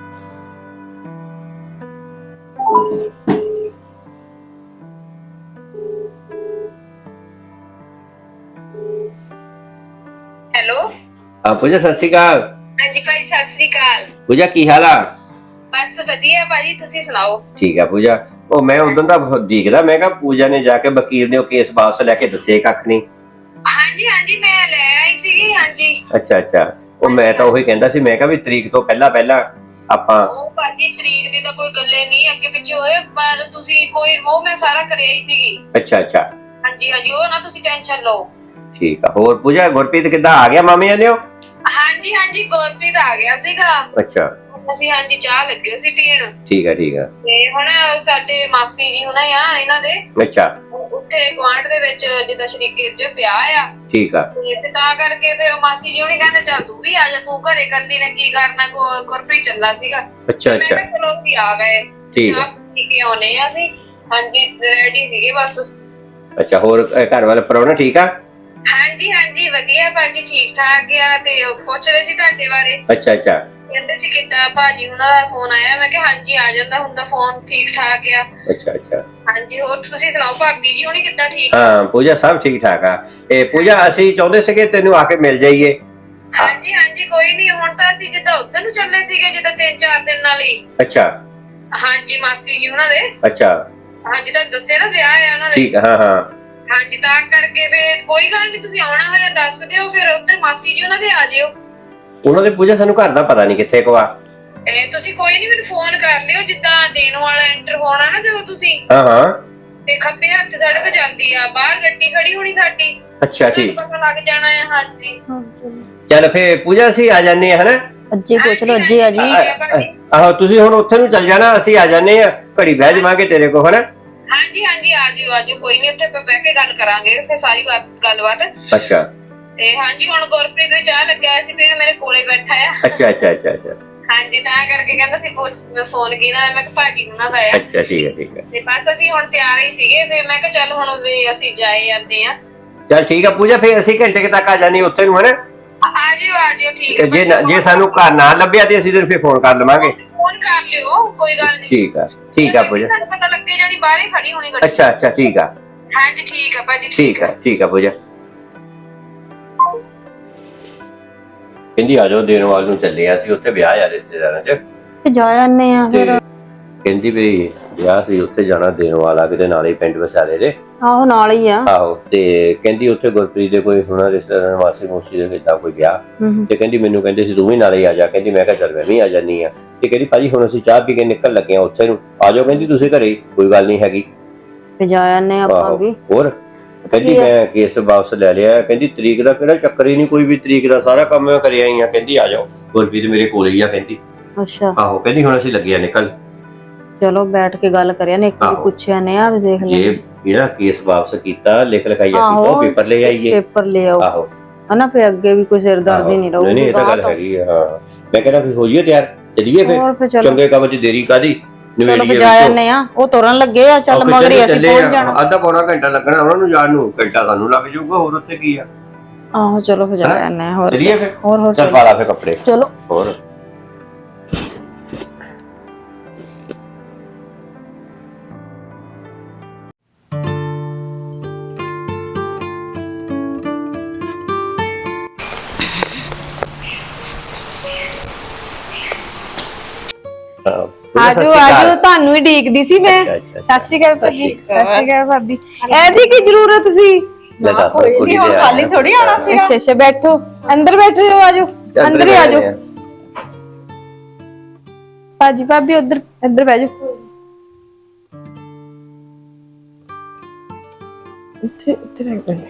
[SPEAKER 4] ਹੈਲੋ
[SPEAKER 3] ਹਾਂ ਪੂਜਾ ਸਤਿ ਸ਼੍ਰੀ ਅਕਾਲ।
[SPEAKER 4] ਹਾਂਜੀ ਭਾਈ ਸਤਿ ਸ੍ਰੀ ਅਕਾਲ।
[SPEAKER 3] ਪੂਜਾ ਕੀ ਹਾਲ ਆ?
[SPEAKER 4] ਬਸ ਵਧੀਆ ਭਾਜੀ ਤੁਸੀਂ ਸੁਣਾਓ।
[SPEAKER 3] ਠੀਕ ਆ ਪੂਜਾ। ਉਹ ਮੈਂ ਉਦੋਂ ਦਾ ਦੇਖਦਾ ਮੈਂ ਕਿਹਾ ਪੂਜਾ ਨੇ ਜਾ ਕੇ ਵਕੀਲ ਨੇ ਉਹ ਕੇਸ ਵਾਪਸ ਲੈ ਕੇ ਦੱਸੇ ਕੱਖ ਨਹੀਂ।
[SPEAKER 4] ਹਾਂਜੀ ਹਾਂਜੀ ਮੈਂ ਲੈ ਆਈ ਸੀਗੀ। ਹਾਂਜੀ
[SPEAKER 3] ਅੱਛਾ ਅੱਛਾ। ਉਹ ਮੈਂ ਤਾਂ ਉਹੀ ਕਹਿੰਦਾ ਸੀ ਮੈਂ ਕਿਹਾ ਵੀ ਤਰੀਕ ਤੋਂ ਪਹਿਲਾਂ ਪਹਿਲਾਂ ਆਪਾਂ।
[SPEAKER 4] ਉਹ ਭਾਜੀ ਤਰੀਕ ਦੀ ਤਾਂ ਕੋਈ ਗੱਲੇ ਨਹੀਂ ਅੱਗੇ ਪਿੱਛੇ ਹੋਏ, ਪਰ ਤੁਸੀਂ ਕੋਈ ਉਹ ਮੈਂ ਸਾਰਾ ਕਰਿਆ ਹੀ ਸੀਗੀ।
[SPEAKER 3] ਅੱਛਾ ਅੱਛਾ
[SPEAKER 4] ਹਾਂਜੀ ਹਾਂਜੀ ਉਹ ਨਾ ਤੁਸੀਂ ਟੈਨਸ਼ਨ ਲਓ।
[SPEAKER 3] ਠੀਕ ਆ। ਹੋਰ ਪੂਜਾ ਗੁਰਪ੍ਰੀਤ ਕਿੱਦਾਂ ਆ ਗਿਆ ਮਾਮੇ ਨੇ?
[SPEAKER 4] ਹਾਂਜੀ ਹਾਂਜੀ ਗੁਰਪ੍ਰੀਤ ਆ ਗਿਆ ਸੀਗਾ।
[SPEAKER 3] ਅੱਛਾ
[SPEAKER 4] ਅਸੀਂ ਹਾਂਜੀ ਚਾਹ ਲੱਗੇ ਸੀ ਪੀਣ।
[SPEAKER 3] ਠੀਕ ਆ ਠੀਕ ਆ।
[SPEAKER 4] ਤੇ ਹੁਣ ਸਾਡੇ ਮਾਸੀ ਜੀ ਹੁਣਾ ਆ ਇਹਨਾਂ ਦੇ
[SPEAKER 3] ਅੱਛਾ
[SPEAKER 4] ਉੱਥੇ ਗੁਆਂਢ ਦੇ ਵਿੱਚ ਜਿੱਦਾਂ ਸ਼ਰੀਕੇ ਚ ਵਿਆਹ ਆ।
[SPEAKER 3] ਠੀਕ ਆ।
[SPEAKER 4] ਤੇ ਤਾਂ ਕਰਕੇ ਫਿਰ ਉਹ ਮਾਸੀ ਜੀ ਹੁਣੀ ਕਹਿੰਦੇ ਚੱਲ ਤੂੰ ਵੀ ਆ ਜਾ, ਤੂੰ ਘਰੇ ਕੱਲੀ ਨੇ ਕੀ ਕਰਨਾ। ਗੁ- ਗੁਰਪ੍ਰੀਤ ਚੱਲਾ ਸੀਗਾ।
[SPEAKER 3] ਅੱਛਾ
[SPEAKER 4] ਮੈਂ
[SPEAKER 3] ਅੱਛਾ
[SPEAKER 4] ਕਿਹਾ ਚਲੋ ਅਸੀਂ ਆ ਗਏ।
[SPEAKER 3] ਠੀਕ
[SPEAKER 4] ਚਾਹ ਪੀ ਕੇ ਆਉਣੇ ਆ ਅਸੀਂ। ਹਾਂਜੀ ਰੈਡੀ ਸੀਗੇ ਬਸ।
[SPEAKER 3] ਅੱਛਾ। ਹੋਰ ਅਹ, ਘਰ ਵਾਲਾ ਪ੍ਰਾਹੁਣਾ ਠੀਕ ਆ?
[SPEAKER 4] ਹਾਂਜੀ ਹਾਂਜੀ ਵਧੀਆ ਭਾਜੀ ਠੀਕ ਠਾਕ ਆ। ਤੇ ਉਹ ਪੁੱਛ ਰਹੇ ਸੀ ਤੁਹਾਡੇ ਬਾਰੇ।
[SPEAKER 3] ਅੱਛਾ ਅੱਛਾ
[SPEAKER 4] ਕਹਿੰਦੇ ਸੀ ਕਿੱਦਾਂ ਭਾਜੀ ਹੁਣਾਂ ਦਾ ਫੋਨ ਆਇਆ। ਮੈਂ ਕਿਹਾ ਹਾਂਜੀ ਆ ਜਾਂਦਾ ਹੁੰਦਾ ਫੋਨ, ਠੀਕ ਠਾਕ ਆ।
[SPEAKER 3] ਅੱਛਾ ਅੱਛਾ।
[SPEAKER 4] ਹਾਂਜੀ ਹੋਰ ਤੁਸੀਂ ਸੁਣਾਓ ਭਾਬੀ ਜੀ ਹੁਣੀ ਕਿੱਦਾਂ ਠੀਕ ਆ?
[SPEAKER 3] ਹਾਂ ਪੂਜਾ ਸਭ ਠੀਕ ਠਾਕ ਆ। ਇਹ ਪੂਜਾ ਅਸੀਂ ਚਾਹੁੰਦੇ ਸੀਗੇ ਤੈਨੂੰ ਆ ਕੇ ਮਿਲ ਜਾਈਏ।
[SPEAKER 4] ਹਾਂਜੀ ਹਾਂਜੀ ਕੋਈ ਨਹੀਂ। ਹੁਣ ਤਾਂ ਅਸੀਂ ਜਿੱਦਾਂ ਉੱਧਰ ਨੂੰ ਚੱਲੇ ਸੀਗੇ ਜਿੱਦਾਂ ਤਿੰਨ ਚਾਰ ਦਿਨ ਨਾਲ ਹੀ।
[SPEAKER 3] ਅੱਛਾ
[SPEAKER 4] ਹਾਂਜੀ ਮਾਸੀ ਜੀ ਉਹਨਾਂ ਦੇ।
[SPEAKER 3] ਅੱਛਾ
[SPEAKER 4] ਹਾਂਜੀ ਤਾਂ ਦੱਸਿਆ ਨਾ ਵਿਆਹ ਆ ਉਹਨਾਂ ਦੇ।
[SPEAKER 3] ਠੀਕ ਆ। ਹਾਂ ਹਾਂ
[SPEAKER 4] ਹਾਂਜੀ ਤਾਂ ਕਰਕੇ ਫਿਰ ਕੋਈ ਗੱਲ ਨਹੀਂ, ਤੁਸੀਂ ਆਉਣਾ ਹੋਇਆ ਦੱਸ ਦਿਓ। ਫਿਰ ਉੱਧਰ ਮਾਸੀ ਜੀ ਉਹਨਾਂ ਦੇ ਆ ਜਿਓ।
[SPEAKER 3] ਉਹਨਾਂ ਦੇ ਪੂਜਾ ਸਾਨੂੰ ਘਰ ਦਾ ਪਤਾ ਨਹੀਂ ਕਿੱਥੇ ਕੋ ਆ।
[SPEAKER 4] ਇਹ ਤੁਸੀਂ ਕੋਈ ਨਹੀਂ ਮੈਨੂੰ ਫੋਨ ਕਰ ਲਿਓ ਜਿੱਦਾਂ ਦੇਣ ਵਾਲਾ ਐਂਟਰ ਹੋਣਾ ਨਾ ਜਦੋਂ ਤੁਸੀਂ।
[SPEAKER 3] ਹਾਂ ਹਾਂ
[SPEAKER 4] ਤੇ ਖੱਬੇ ਹੱਥ ਸੜਕ ਜਾਂਦੀ ਆ, ਬਾਹਰ ਗੱਡੀ ਖੜੀ ਹੋਣੀ ਸਾਡੀ।
[SPEAKER 3] ਅੱਛਾ
[SPEAKER 4] ਤੁਹਾਨੂੰ
[SPEAKER 3] ਠੀਕ।
[SPEAKER 4] ਪਤਾ ਲੱਗ ਜਾਣਾ ਹੈ। ਹਾਂਜੀ
[SPEAKER 3] ਚੱਲ ਫੇ ਪੂਜਾ ਅਸੀਂ ਆ ਜਾਂਦੇ ਆ ਹਨਾ।
[SPEAKER 2] ਅੱਜੇ ਪੁੱਛ ਲਓ, ਅੱਜੇ ਆ ਜੀ।
[SPEAKER 3] ਆਹੋ ਤੁਸੀਂ ਹੁਣ ਉੱਥੇ ਨੂੰ ਚੱਲ ਜਾਣਾ, ਅਸੀਂ ਆ ਜਾਂਦੇ ਆ। ਘੜੀ ਬਹਿ ਜਾਵਾਂਗੇ ਤੇਰੇ ਕੋ ਹਨਾ।
[SPEAKER 4] ਹਾਂਜੀ ਹਾਂਜੀ ਆ ਜਿਓ ਆ ਜਿਓ ਕੋਈ ਨਹੀਂ। ਉੱਥੇ ਆਪਾਂ ਬਹਿ ਕੇ ਗੱਲ ਕਰਾਂਗੇ ਫਿਰ ਸਾਰੀ ਬਾਤ ਗੱਲਬਾਤ।
[SPEAKER 3] ਅੱਛਾ
[SPEAKER 4] ਤੇ ਹਾਂਜੀ ਹੁਣ ਗੁਰਪ੍ਰੀਤ ਵੀ ਚਾਹ ਲੱਗਿਆ ਸੀ ਫਿਰ ਮੇਰੇ ਕੋਲੇ ਬੈਠਾ ਆ।
[SPEAKER 3] ਅੱਛਾ ਅੱਛਾ ਅੱਛਾ ਅੱਛਾ
[SPEAKER 4] ਹਾਂਜੀ ਤਾਂ ਕਰਕੇ ਕਹਿੰਦਾ ਸੀ ਮੈਂ ਫੋਨ ਕੀਤਾ। ਮੈਂ ਕਿਹਾ ਭਾਜੀ ਨੂੰ ਨਾ ਪਾਇਆ।
[SPEAKER 3] ਅੱਛਾ ਠੀਕ ਹੈ ਠੀਕ ਹੈ।
[SPEAKER 4] ਤੇ ਬਸ ਅਸੀਂ ਹੁਣ ਤਿਆਰ ਹੀ ਸੀਗੇ। ਫਿਰ ਮੈਂ ਕਿਹਾ ਚੱਲ ਹੁਣ ਵੀ ਅਸੀਂ ਜਾਏ ਜਾਂਦੇ ਆ।
[SPEAKER 3] ਚੱਲ ਠੀਕ ਆ ਪੂਜਾ। ਫੇ ਅਸੀਂ ਘੰਟੇ ਕੁ ਤੱਕ ਆ ਜਾਣੀ ਉੱਥੇ ਨੂੰ ਹਨਾ।
[SPEAKER 4] ਆ ਜਿਓ ਆ ਜਿਓ ਠੀਕ ਹੈ।
[SPEAKER 3] ਜੇ ਜੇ ਸਾਨੂੰ ਘਰ ਨਾ ਲੱਭਿਆ ਤੇ ਅਸੀਂ ਤੈਨੂੰ ਫੇ ਫੋਨ ਕਰ ਲਵਾਂਗੇ।
[SPEAKER 4] ਫੋਨ ਕਰ ਲਿਓ ਕੋਈ ਗੱਲ ਨਹੀਂ।
[SPEAKER 3] ਠੀਕ ਆ ਠੀਕ ਆ ਪੂਜਾ।
[SPEAKER 4] ਤੁਹਾਨੂੰ ਪਤਾ ਲੱਗੇ ਜਾਣੀ ਬਾਹਰ ਹੀ ਖੜੀ ਹੋਣੀ ਗੱਡੀ।
[SPEAKER 3] ਅੱਛਾ ਅੱਛਾ ਠੀਕ ਆ
[SPEAKER 4] ਹਾਂਜੀ ਠੀਕ ਆ ਭਾਜੀ
[SPEAKER 3] ਠੀਕ ਆ ਠੀਕ ਆ ਪੂਜਾ। ਕਹਿੰਦੀ ਆ ਜਾਓ ਦੇਣ ਵਾਲ ਨੂੰ ਚੱਲੇ ਆ ਅਸੀਂ ਉੱਥੇ ਵਿਆਹ ਆ ਰਿਸ਼ਤੇਦਾਰਾਂ ਚ।
[SPEAKER 2] ਤੇ ਜਾ ਆਨੇ ਆ
[SPEAKER 3] ਤੇ
[SPEAKER 2] ਫਿਰ।
[SPEAKER 3] ਕਹਿੰਦੀ ਵੀ ਵਿਆਹ ਸੀ ਉੱਥੇ ਜਾਣਾ ਦੇਣ ਵਾਲਾ ਕਿਤੇ ਨਾਲ ਹੀ ਪਿੰਡ ਵਸਾਲੇ ਦੇ।
[SPEAKER 2] ਆਹੋ ਨਾਲ ਹੀ ਆ।
[SPEAKER 3] ਆਹੋ ਤੇ ਕਹਿੰਦੀ ਉੱਥੇ ਗੁਰਪ੍ਰੀਤ ਦੇ ਕੋਈ ਹੁਣਾ ਰਿਸ਼ਤੇਦਾਰਾਂ ਵਾਸੀ ਮੋਸੀ ਦੇ ਕਿੱਦਾਂ ਕੋਈ ਵਿਆਹ।
[SPEAKER 2] ਹੂੰ
[SPEAKER 3] ਤੇ ਕਹਿੰਦੀ ਮੈਨੂੰ ਕਹਿੰਦੇ ਸੀ ਤੂੰ ਵੀ ਨਾਲੇ ਆ ਜਾ। ਕਹਿੰਦੀ ਮੈਂ ਕਿਹਾ ਚੱਲ ਮੈਂ ਵੀ ਆ ਜਾਨੀ ਆ। ਤੇ ਕਹਿੰਦੀ ਭਾਜੀ ਹੁਣ ਅਸੀਂ ਚਾਹ ਪੀ ਕੇ ਨਿਕਲ ਲੱਗੇ ਆ ਉੱਥੇ ਨੂੰ। ਆ ਜਾਓ ਕਹਿੰਦੀ ਤੁਸੀਂ ਘਰੇ ਕੋਈ ਗੱਲ ਨਹੀਂ ਹੈਗੀ।
[SPEAKER 2] ਤੇ ਜਾ ਆਨੇ ਆਪਾਂ
[SPEAKER 3] ਆਹੋ
[SPEAKER 2] ਵੀ।
[SPEAKER 3] ਹੋਰ ਕਹਿੰਦੀ ਮੈਂ ਕੇਸ ਵਾਪਸ ਲੈ ਲਿਆ। ਕਹਿੰਦੀ ਤਰੀਕ ਦਾ ਕਿਹੜਾ ਚੱਕਰ ਹੀ ਨਹੀਂ, ਕੋਈ ਵੀ ਤਰੀਕ ਦਾ ਸਾਰਾ ਕੰਮ ਮੈਂ ਕਰਿਆ ਹੀ ਆ। ਕਹਿੰਦੀ ਆ ਜਾਓ ਗੁਰਪ੍ਰੀਤ ਮੇਰੇ ਕੋਲ ਹੀ ਆ ਕਹਿੰਦੀ।
[SPEAKER 2] ਅੱਛਾ
[SPEAKER 3] ਆਹੋ ਕਹਿੰਦੀ ਹੁਣ ਅਸੀਂ ਲੱਗੇ ਆ ਨਿਕਲ।
[SPEAKER 2] ਚਲੋ ਬੈਠ ਕੇ ਗੱਲ ਕਰਿਆ ਨੇ, ਇੱਕ ਵਾਰੀ
[SPEAKER 3] ਆਹੋ।
[SPEAKER 2] ਪੁੱਛਿਆ ਨੇ ਆ ਵੀ ਦੇਖ ਲੈ
[SPEAKER 3] ਜੇ ਇਹਦਾ ਕੇਸ ਵਾਪਸ ਕੀਤਾ, ਲਿਖ ਲਿਖਾਈ ਕੀਤਾ,
[SPEAKER 2] ਆਹੋ,
[SPEAKER 3] ਉਹ ਪੇਪਰ ਲੈ ਆਈਏ।
[SPEAKER 2] ਪੇਪਰ ਲੈ ਆਓ
[SPEAKER 3] ਆਹੋ
[SPEAKER 2] ਹਨਾ, ਫੇ ਅੱਗੇ ਵੀ ਕੋਈ ਸਿਰਦਰਦੀ ਨਹੀਂ ਰਹੂਗੀ।
[SPEAKER 3] ਨਹੀਂ ਇਹ ਤਾਂ ਗੱਲ ਹੈਗੀ ਆ। ਹਾਂ ਮੈਂ ਕਹਿੰਦਾ ਫਿਰ ਹੋ ਜਾਈਏ ਤਿਆਰ, ਚੱਲੀਏ
[SPEAKER 2] ਹੋਰ ਫਿਰ
[SPEAKER 3] ਫਿਰ
[SPEAKER 2] ਚਲੋ।
[SPEAKER 3] ਚੰਗੇ ਕੰਮ 'ਚ ਦੇਰੀ ਕਾਦੀ
[SPEAKER 2] ਚਲੋ ਬਜਾ ਜਾਂਦੇ ਆ, ਉਹ ਤੁਰਨ ਲੱਗੇ ਆ, ਚੱਲ ਮਗਰ ਹੀ ਅਸੀਂ ਪਹੁੰਚ ਜਾਣਾ।
[SPEAKER 3] ਅੱਧਾ ਪੌਣਾ ਘੰਟਾ ਲੱਗਣਾ ਉਹਨਾਂ ਨੂੰ ਜਾਣ ਨੂੰ, ਘੰਟਾ ਸਾਨੂੰ ਲੱਗ ਜਾਊਗਾ, ਹੋਰ ਉੱਥੇ ਕੀ ਆ।
[SPEAKER 2] ਆਹੋ ਚਲੋ ਫਿਰ ਜਾ ਜਾਂਦੇ ਆ। ਹੋਰ
[SPEAKER 3] ਚੱਲੀਏ ਫਿਰ,
[SPEAKER 2] ਹੋਰ ਹੋਰ
[SPEAKER 3] ਚੱਲ ਪਾ ਲਾ ਫਿਰ ਕੱਪੜੇ।
[SPEAKER 2] ਚਲੋ
[SPEAKER 3] ਹੋਰ
[SPEAKER 5] ਆਜੋ ਆਜੋ, ਤੁਹਾਨੂੰ ਹੀ ਢੀਕਦੀ ਸੀ ਮੈਂ।
[SPEAKER 3] ਅੱਛਾ, ਅੱਛਾ,
[SPEAKER 5] ਸਤਿ ਸ਼੍ਰੀ ਅਕਾਲ ਭਾਜੀ। ਸਤਿ ਸ਼੍ਰੀ ਅਕਾਲ ਭਾਬੀ। ਇਹਦੀ ਕੀ ਜ਼ਰੂਰਤ ਸੀ?
[SPEAKER 3] ਲੈ ਦੱਸ ਕੁੜੀ ਦੇ ਆਇਆ।
[SPEAKER 1] ਖਾਲੀ ਥੋੜੀ ਆਣਾ ਸੀ।
[SPEAKER 5] ਅੱਛਾ ਅੱਛਾ, ਬੈਠੋ ਅੰਦਰ ਬੈਠੋ, ਆਜੋ ਅੰਦਰ ਹੀ ਆਜੋ। ਭਾਜੀ ਭਾਬੀ ਉਧਰ ਇੱਧਰ ਬਹਿ ਜਾਓ। ਇੱਥੇ ਇੱਥੇ ਰੱਖ ਦੇ।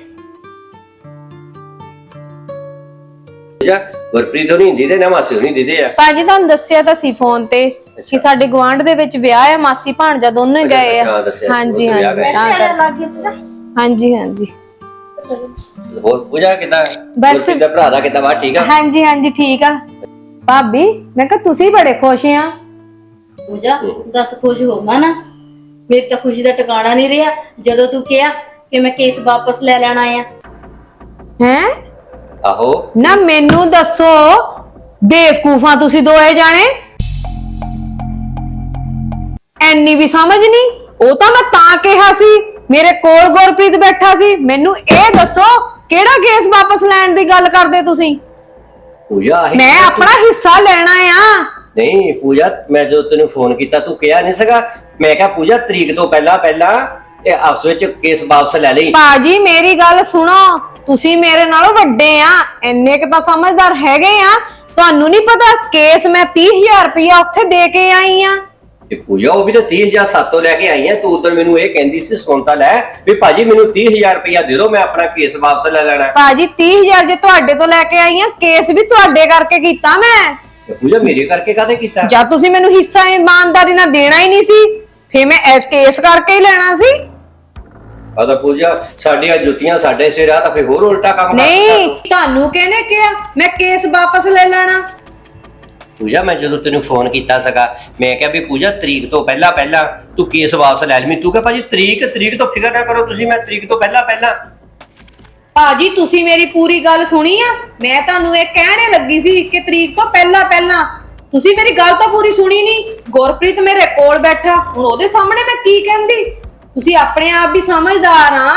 [SPEAKER 3] ਗੁਰਪ੍ਰੀਤ ਹੋਣੀ ਦੀਦੇ ਨਾ ਮਾਸੀ ਹੋਣੀ ਦੀਦੇ ਆ।
[SPEAKER 5] ਭਾਜੀ ਤੁਹਾਨੂੰ ਦੱਸਿਆ ਤਾਂ ਸੀ ਫੋਨ ਤੇ ਕਿ ਸਾਡੇ ਗਵਾਂਢ ਦੇ ਵਿੱਚ ਵਿਆਹ ਆ, ਮਾਸੀ ਭਾਣਜਾ ਦੋਨੋਂ ਹੀ ਗਏ ਆ। ਹਾਂਜੀ ਹਾਂਜੀ ਤਾਂ ਕਰਕੇ ਹਾਂਜੀ ਹਾਂਜੀ।
[SPEAKER 3] ਹੋਰ ਪੂਜਾ ਕਿਦਾਂ?
[SPEAKER 5] ਬਸ।
[SPEAKER 3] ਗੁਰਪ੍ਰੀਤ ਦਾ ਭਰਾ ਦਾ ਕਿਦਾਂ ਵਾ? ਠੀਕ ਆ?
[SPEAKER 5] ਹਾਂਜੀ ਹਾਂਜੀ ਠੀਕ ਆ। ਭਾਬੀ ਮੈਂ ਕਿਹਾ ਤੁਸੀਂ ਬੜੇ ਖੁਸ਼ ਆ।
[SPEAKER 2] ਪੂਜਾ ਦੱਸ, ਖੁਸ਼ ਹੋਵਾਂ ਨਾ? ਮੇਰੀ ਤਾਂ ਖੁਸ਼ੀ ਦਾ ਟਿਕਾਣਾ ਨਹੀਂ ਰਿਹਾ ਜਦੋਂ ਤੂੰ ਕਿਹਾ ਕਿ ਮੈਂ ਕੇਸ ਵਾਪਸ ਲੈ ਲੈਣਾ ਆ।
[SPEAKER 5] ਹੈ
[SPEAKER 3] ਆਹੋ
[SPEAKER 5] ਨਾ, ਮੈਨੂੰ ਦੱਸੋ ਬੇਵਕੂਫਾਂ ਤੁਸੀਂ ਦੋਏ ਜਾਣੇ, ਐਨੀ ਵੀ ਸਮਝ ਨਹੀਂ। ਉਹ ਤਾਂ ਮੈਂ ਤਾਂ ਕਿਹਾ ਸੀ, ਮੇਰੇ ਕੋਲ ਗੁਰਪ੍ਰੀਤ ਬੈਠਾ ਸੀ। ਮੈਨੂੰ ਇਹ ਦੱਸੋ ਕਿਹੜਾ ਕੇਸ ਵਾਪਸ ਲੈਣ ਦੀ ਗੱਲ ਕਰਦੇ ਤੁਸੀਂ?
[SPEAKER 3] ਪੂਜਾ ਆਹੀ
[SPEAKER 5] ਮੈਂ ਆਪਣਾ ਹਿੱਸਾ ਲੈਣਾ ਆ।
[SPEAKER 3] ਨਹੀਂ ਪੂਜਾ, ਮੈਂ ਜਦੋਂ ਤੈਨੂੰ ਫੋਨ ਕੀਤਾ ਤੂੰ ਕਿਹਾ ਨਹੀਂ ਸੀਗਾ? ਮੈਂ ਕਿਹਾ ਪੂਜਾ ਤਰੀਕ ਤੋਂ ਪਹਿਲਾਂ ਪਹਿਲਾਂ ਇਹ ਆਪਸ ਵਿੱਚ ਕੇਸ ਵਾਪਸ ਲੈ ਲਈ।
[SPEAKER 5] ਬਾਜੀ ਮੇਰੀ ਗੱਲ ਸੁਣੋ, ਤੁਸੀਂ ਮੇਰੇ ਨਾਲੋਂ ਵੱਡੇ ਆ, ਇੰਨੇ ਕੁ ਤਾਂ ਸਮਝਦਾਰ ਹੈਗੇ ਆ। ਤੁਹਾਨੂੰ ਨਹੀਂ ਪਤਾ ਕੇਸ ਮੈਂ ਤੀਹ ਹਜ਼ਾਰ ਰੁਪਇਆ ਉੱਥੇ ਦੇ ਕੇ ਆਈ ਆ।
[SPEAKER 3] ਤੇ ਪੂਜਾ ਉਹ ਵੀ ਤਾਂ ਤੀਹ ਹਜ਼ਾਰ ਸਾਤੋਂ ਲੈ ਕੇ ਆਈ ਆ। ਤੂੰ ਉਦੋਂ ਮੈਨੂੰ ਇਹ ਕਹਿੰਦੀ ਸੀ ਸੁਣਤਾ ਲੈ ਵੀ ਭਾਜੀ ਮੈਨੂੰ ਤੀਹ ਹਜ਼ਾਰ ਰੁਪਇਆ ਦੇ ਦਿਓ, ਮੈਂ ਆਪਣਾ ਕੇਸ ਵਾਪਸ ਲੈ ਲੈਣਾ।
[SPEAKER 5] ਬਾਜੀ ਤੀਹ ਹਜ਼ਾਰ ਜੇ ਤੁਹਾਡੇ ਤੋਂ ਲੈ ਕੇ ਆਈ ਆ, ਕੇਸ ਵੀ ਤੁਹਾਡੇ ਕਰਕੇ ਕੀਤਾ ਮੈਂ।
[SPEAKER 3] ਤੇ ਪੂਜਾ ਮੇਰੇ ਕਰਕੇ ਕਾਹਦੇ ਕੀਤਾ?
[SPEAKER 5] ਜਦ ਤੁਸੀਂ ਮੈਨੂੰ ਹਿੱਸਾ ਇਮਾਨਦਾਰੀ ਨਾਲ ਦੇਣਾ ਹੀ ਨਹੀਂ ਸੀ, ਫੇਰ ਮੈਂ ਇਹ ਕੇਸ ਕਰਕੇ ਹੀ ਲੈਣਾ ਸੀ।
[SPEAKER 3] ਆ ਤਾਂ ਪੂਜਾ ਸਾਡੀਆਂ ਜੁੱਤੀਆਂ ਸਾਡੇ ਸਿਰ ਆ, ਤਾਂ ਫਿਰ ਹੋਰ ਉਲਟਾ ਕੰਮ ਕਰ
[SPEAKER 5] ਨਹੀਂ
[SPEAKER 1] ਤੁਹਾਨੂੰ ਕਿਹਨੇ ਕਿਹਾ ਮੈਂ ਕੇਸ ਵਾਪਸ ਲੈ ਲੈਣਾ?
[SPEAKER 3] ਪੂਜਾ ਮੈਂ ਜਦੋਂ ਤੈਨੂੰ ਫੋਨ ਕੀਤਾ ਸੀਗਾ, ਮੈਂ ਕਿਹਾ ਵੀ ਪੂਜਾ ਤਰੀਕ ਤੋਂ ਪਹਿਲਾਂ ਪਹਿਲਾਂ ਤੂੰ ਕੇਸ ਵਾਪਸ ਲੈ ਲਵੀਂ। ਤੂੰ ਕਿਹਾ ਭਾਜੀ ਤਰੀਕ ਤਰੀਕ ਤੋਂ ਫਿਕਰ ਨਾ ਕਰੋ ਤੁਸੀਂ, ਮੈਂ ਤਰੀਕ ਤੋਂ ਪਹਿਲਾਂ ਪਹਿਲਾਂ।
[SPEAKER 1] ਭਾਜੀ ਤੁਸੀਂ ਮੇਰੀ ਪੂਰੀ ਗੱਲ ਸੁਣੀ ਆ? ਮੈਂ ਤੁਹਾਨੂੰ ਇਹ ਕਹਿਣੇ ਲੱਗੀ ਸੀ ਕਿ ਤਰੀਕ ਤੋਂ ਪਹਿਲਾਂ ਪਹਿਲਾਂ। ਤੁਸੀਂ ਮੇਰੀ ਗੱਲ ਤਾਂ ਪੂਰੀ ਸੁਣੀ ਨਹੀਂ। ਗੁਰਪ੍ਰੀਤ ਮੇਰੇ ਕੋਲ ਬੈਠਾ, ਹੁਣ ਉਹਦੇ ਸਾਹਮਣੇ ਮੈਂ ਕੀ ਕਹਿੰਦੀ? ਤੁਸੀਂ ਆਪਣੇ ਆਪ ਵੀ ਸਮਝਦਾਰ ਆ।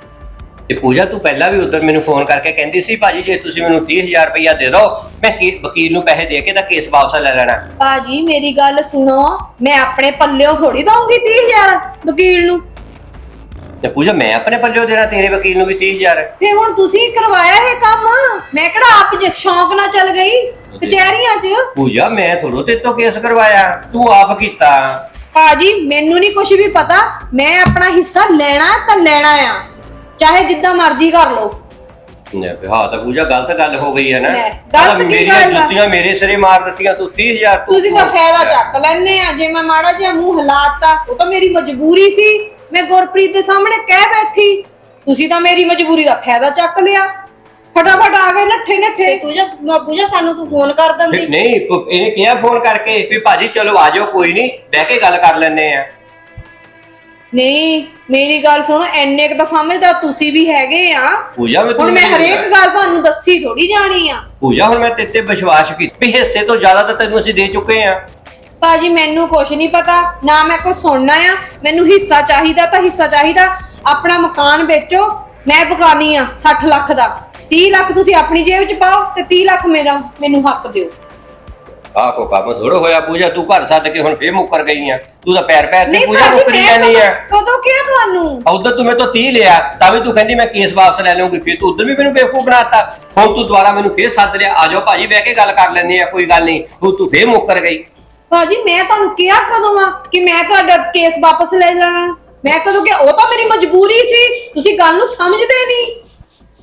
[SPEAKER 3] ਤੇ ਪੂਜਾ ਤੂੰ ਪਹਿਲਾਂ ਵੀ ਉਧਰ ਮੈਨੂੰ ਫੋਨ ਕਰਕੇ ਕਹਿੰਦੀ ਸੀ ਭਾਜੀ ਜੇ ਤੁਸੀਂ ਮੈਨੂੰ ਤੀਹ ਹਜ਼ਾਰ ਰੁਪਇਆ ਦੇ ਦਿਓ, ਮੈਂ ਕੇ- ਵਕੀਲ ਨੂੰ ਪੈਸੇ ਦੇ ਕੇ ਤਾਂ ਕੇਸ ਵਾਪਸ ਲੈ ਲੈਣਾ।
[SPEAKER 1] ਭਾਜੀ ਮੇਰੀ ਗੱਲ ਸੁਣੋ, ਮੈਂ ਆਪਣੇ ਪੱਲਿਓਂ ਥੋੜੀ ਦਊਂਗੀ ਤੀਹ ਹਜ਼ਾਰ ਵਕੀਲ ਨੂੰ।
[SPEAKER 3] ਤੇ ਪੂਜਾ ਮੈਂ ਆਪਣੇ ਪੱਲਿਓਂ ਦੇਣਾ ਤੇਰੇ ਵਕੀਲ ਨੂੰ ਵੀ ਤੀਹ ਹਜ਼ਾਰ?
[SPEAKER 1] ਤੇ ਹੁਣ ਤੁਸੀਂ ਕਰਵਾਇਆ ਇਹ ਕੰਮ, ਮੈਂ ਕਿਹੜਾ ਆਪ ਜੇ ਸ਼ੌਂਕ ਨਾਲ ਚੱਲ ਗਈ ਕਚਹਿਰੀਆਂ 'ਚ।
[SPEAKER 3] ਪੂਜਾ ਮੈਂ ਥੋੜੋ ਤੇਰੇ ਤੋਂ ਕੇਸ ਕਰਵਾਇਆ, ਤੂੰ ਆਪ ਕੀਤਾ।
[SPEAKER 1] ਭਾਜੀ ਮੈਨੂੰ ਨਹੀਂ ਕੁਝ ਵੀ ਪਤਾ, ਮੈਂ ਆਪਣਾ ਹਿੱਸਾ ਲੈਣਾ ਤਾਂ ਲੈਣਾ ਆ, ਚਾਹੇ ਜਿੱਦਾਂ ਮਰਜ਼ੀ ਕਰ ਲਓ।
[SPEAKER 3] ਹਾਂ ਤਾਂ ਪੂਜਾ ਗਲਤ ਗੱਲ ਹੋ ਗਈ ਹੈ ਨਾ।
[SPEAKER 1] ਲੈ, ਗਲਤ ਕੀ
[SPEAKER 3] ਮੇਰੀਆਂ
[SPEAKER 1] ਗੱਲ ਆ?
[SPEAKER 3] ਜੁੱਤੀਆਂ ਮੇਰੇ ਸਿਰੇ ਮਾਰ ਦਿੱਤੀਆਂ, ਤੂੰ ਤੀਹ ਹਜ਼ਾਰ
[SPEAKER 1] ਤੁਸੀਂ ਤਾਂ ਫਾਇਦਾ ਚੱਕ ਲੈਣੇ ਆ। ਜੇ ਮੈਂ ਮਾੜਾ ਜਿਹਾ ਮੂੰਹ ਹਿਲਾਤਾ, ਉਹ ਤਾਂ ਮੇਰੀ ਮਜਬੂਰੀ ਸੀ, ਮੈਂ ਗੁਰਪ੍ਰੀਤ ਦੇ ਸਾਹਮਣੇ ਕਹਿ ਬੈਠੀ। ਤੁਸੀਂ ਤਾਂ ਮੇਰੀ ਮਜਬੂਰੀ ਦਾ ਫਾਇਦਾ ਚੱਕ ਲਿਆ, ਫਟਾਫਟ ਆ ਗਏ ਨੱਠੇ ਨੱਠੇ।
[SPEAKER 2] ਪੂਜਾ ਪੂਜਾ ਸਾਨੂੰ ਤੂੰ ਫੋਨ ਕਰ ਦਿੰਦੀ।
[SPEAKER 3] ਨਹੀਂ ਪ- ਇਹਨੇ ਕਿਹਾ ਫੋਨ ਕਰਕੇ ਵੀ ਭਾਜੀ ਚਲੋ ਆ ਜਾਓ, ਕੋਈ ਨਹੀਂ ਬਹਿ ਕੇ ਗੱਲ ਕਰ ਲੈਣੇ ਆ।
[SPEAKER 1] ਨਹੀਂ ਮੇਰੀ ਗੱਲ ਸੁਣੋ, ਐਨੇ ਕ ਤਾਂ ਸਮਝਦਾ ਤੁਸੀਂ ਵੀ ਹੈਗੇ ਆ।
[SPEAKER 3] ਪੂਜਾ ਮੈਂ
[SPEAKER 1] ਹੁਣ ਮੈਂ ਹਰੇਕ ਗੱਲ ਤੁਹਾਨੂੰ ਦੱਸੀ ਥੋੜੀ ਜਾਣੀ ਆ।
[SPEAKER 3] ਪੂਜਾ ਹੁਣ ਮੈਂ ਤੇਰੇ ਤੇ ਵਿਸ਼ਵਾਸ ਕੀਤਾ ਵੀ ਹਿੱਸੇ ਤੋਂ ਜ਼ਿਆਦਾ ਤਾਂ ਤੈਨੂੰ ਅਸੀਂ ਦੇ ਚੁੱਕੇ ਆ।
[SPEAKER 1] ਭਾਜੀ ਮੈਨੂੰ ਕੁਛ ਨਹੀਂ ਪਤਾ, ਨਾ ਮੈਂ ਕੁਛ ਸੁਣਨਾ ਆ। ਮੈਨੂੰ ਹਿੱਸਾ ਚਾਹੀਦਾ ਤਾਂ ਹਿੱਸਾ ਚਾਹੀਦਾ। ਆਪਣਾ ਮਕਾਨ ਵੇਚੋ, ਮੈਂ ਬਗਾਨੀ ਆ ਸੱਠ ਲੱਖ ਦਾ। ਤੀਹ ਲੱਖ ਤੁਸੀਂ ਆਪਣੀ ਜੇਬ 'ਚ ਪਾਓ ਤੇ ਤੀਹ ਲੱਖ ਮੇਰਾ ਮੈਨੂੰ ਹੱਕ ਦਿਓ।
[SPEAKER 3] ਆਹ ਕੋ ਕੰਮ ਥੋੜਾ ਹੋਇਆ ਪੂਜਾ, ਤੂੰ ਘਰ ਸੱਦ ਕੇ ਹੁਣ ਫੇਰ ਮੁੱਕਰ ਗਈ ਆ। ਤੂੰ ਤਾਂ ਪੈਰ ਪੈਰ ਤੇ
[SPEAKER 1] ਨਹੀਂ
[SPEAKER 3] ਪੂਜਾ
[SPEAKER 1] ਭਾਜੀ
[SPEAKER 3] ਮੁੱਕਰੀ
[SPEAKER 1] ਮੈਂ
[SPEAKER 3] ਜਾਂਦੀ ਆ।
[SPEAKER 1] ਕਦੋਂ ਕਦੋਂ ਕਿਹਾ ਤੁਹਾਨੂੰ?
[SPEAKER 3] ਉਧਰ ਤੂੰ ਮੇਰੇ ਤੋਂ ਤੀਹ ਲਿਆ ਤਾਂ ਵੀ ਤੂੰ ਕਹਿੰਦੀ ਮੈਂ ਕੇਸ ਵਾਪਸ ਲੈ ਲਵਾਂਗੀ, ਫਿਰ ਤੂੰ ਉਧਰ ਵੀ ਮੈਨੂੰ ਬੇਵਕੂਫ ਬਣਾਤਾ। ਹੁਣ ਤੂੰ ਦੁਬਾਰਾ ਮੈਨੂੰ ਫੇਰ ਸੱਦ ਲਿਆ, ਆ ਜਾਓ ਭਾਜੀ ਬਹਿ ਕੇ ਗੱਲ ਕਰ ਲੈਂਦੇ ਆ, ਕੋਈ ਗੱਲ ਨਹੀਂ। ਤੂੰ ਤੂੰ ਫੇਰ ਮੁੱਕਰ ਗਈ।
[SPEAKER 1] ਭਾਜੀ ਮੈਂ ਤੁਹਾਨੂੰ ਕਿਹਾ ਕਦੋਂ ਆ ਕਿ ਮੈਂ ਤੁਹਾਡਾ ਕੇਸ ਵਾਪਸ ਲੈ ਲੈਣਾ? ਮੈਂ ਕਦੋਂ ਕਿ ਉਹ ਤਾਂ ਮੇਰੀ ਮਜਬੂਰੀ ਸੀ, ਤੁਸੀਂ ਗੱਲ ਨੂੰ ਸਮਝਦੇ ਨਹੀਂ।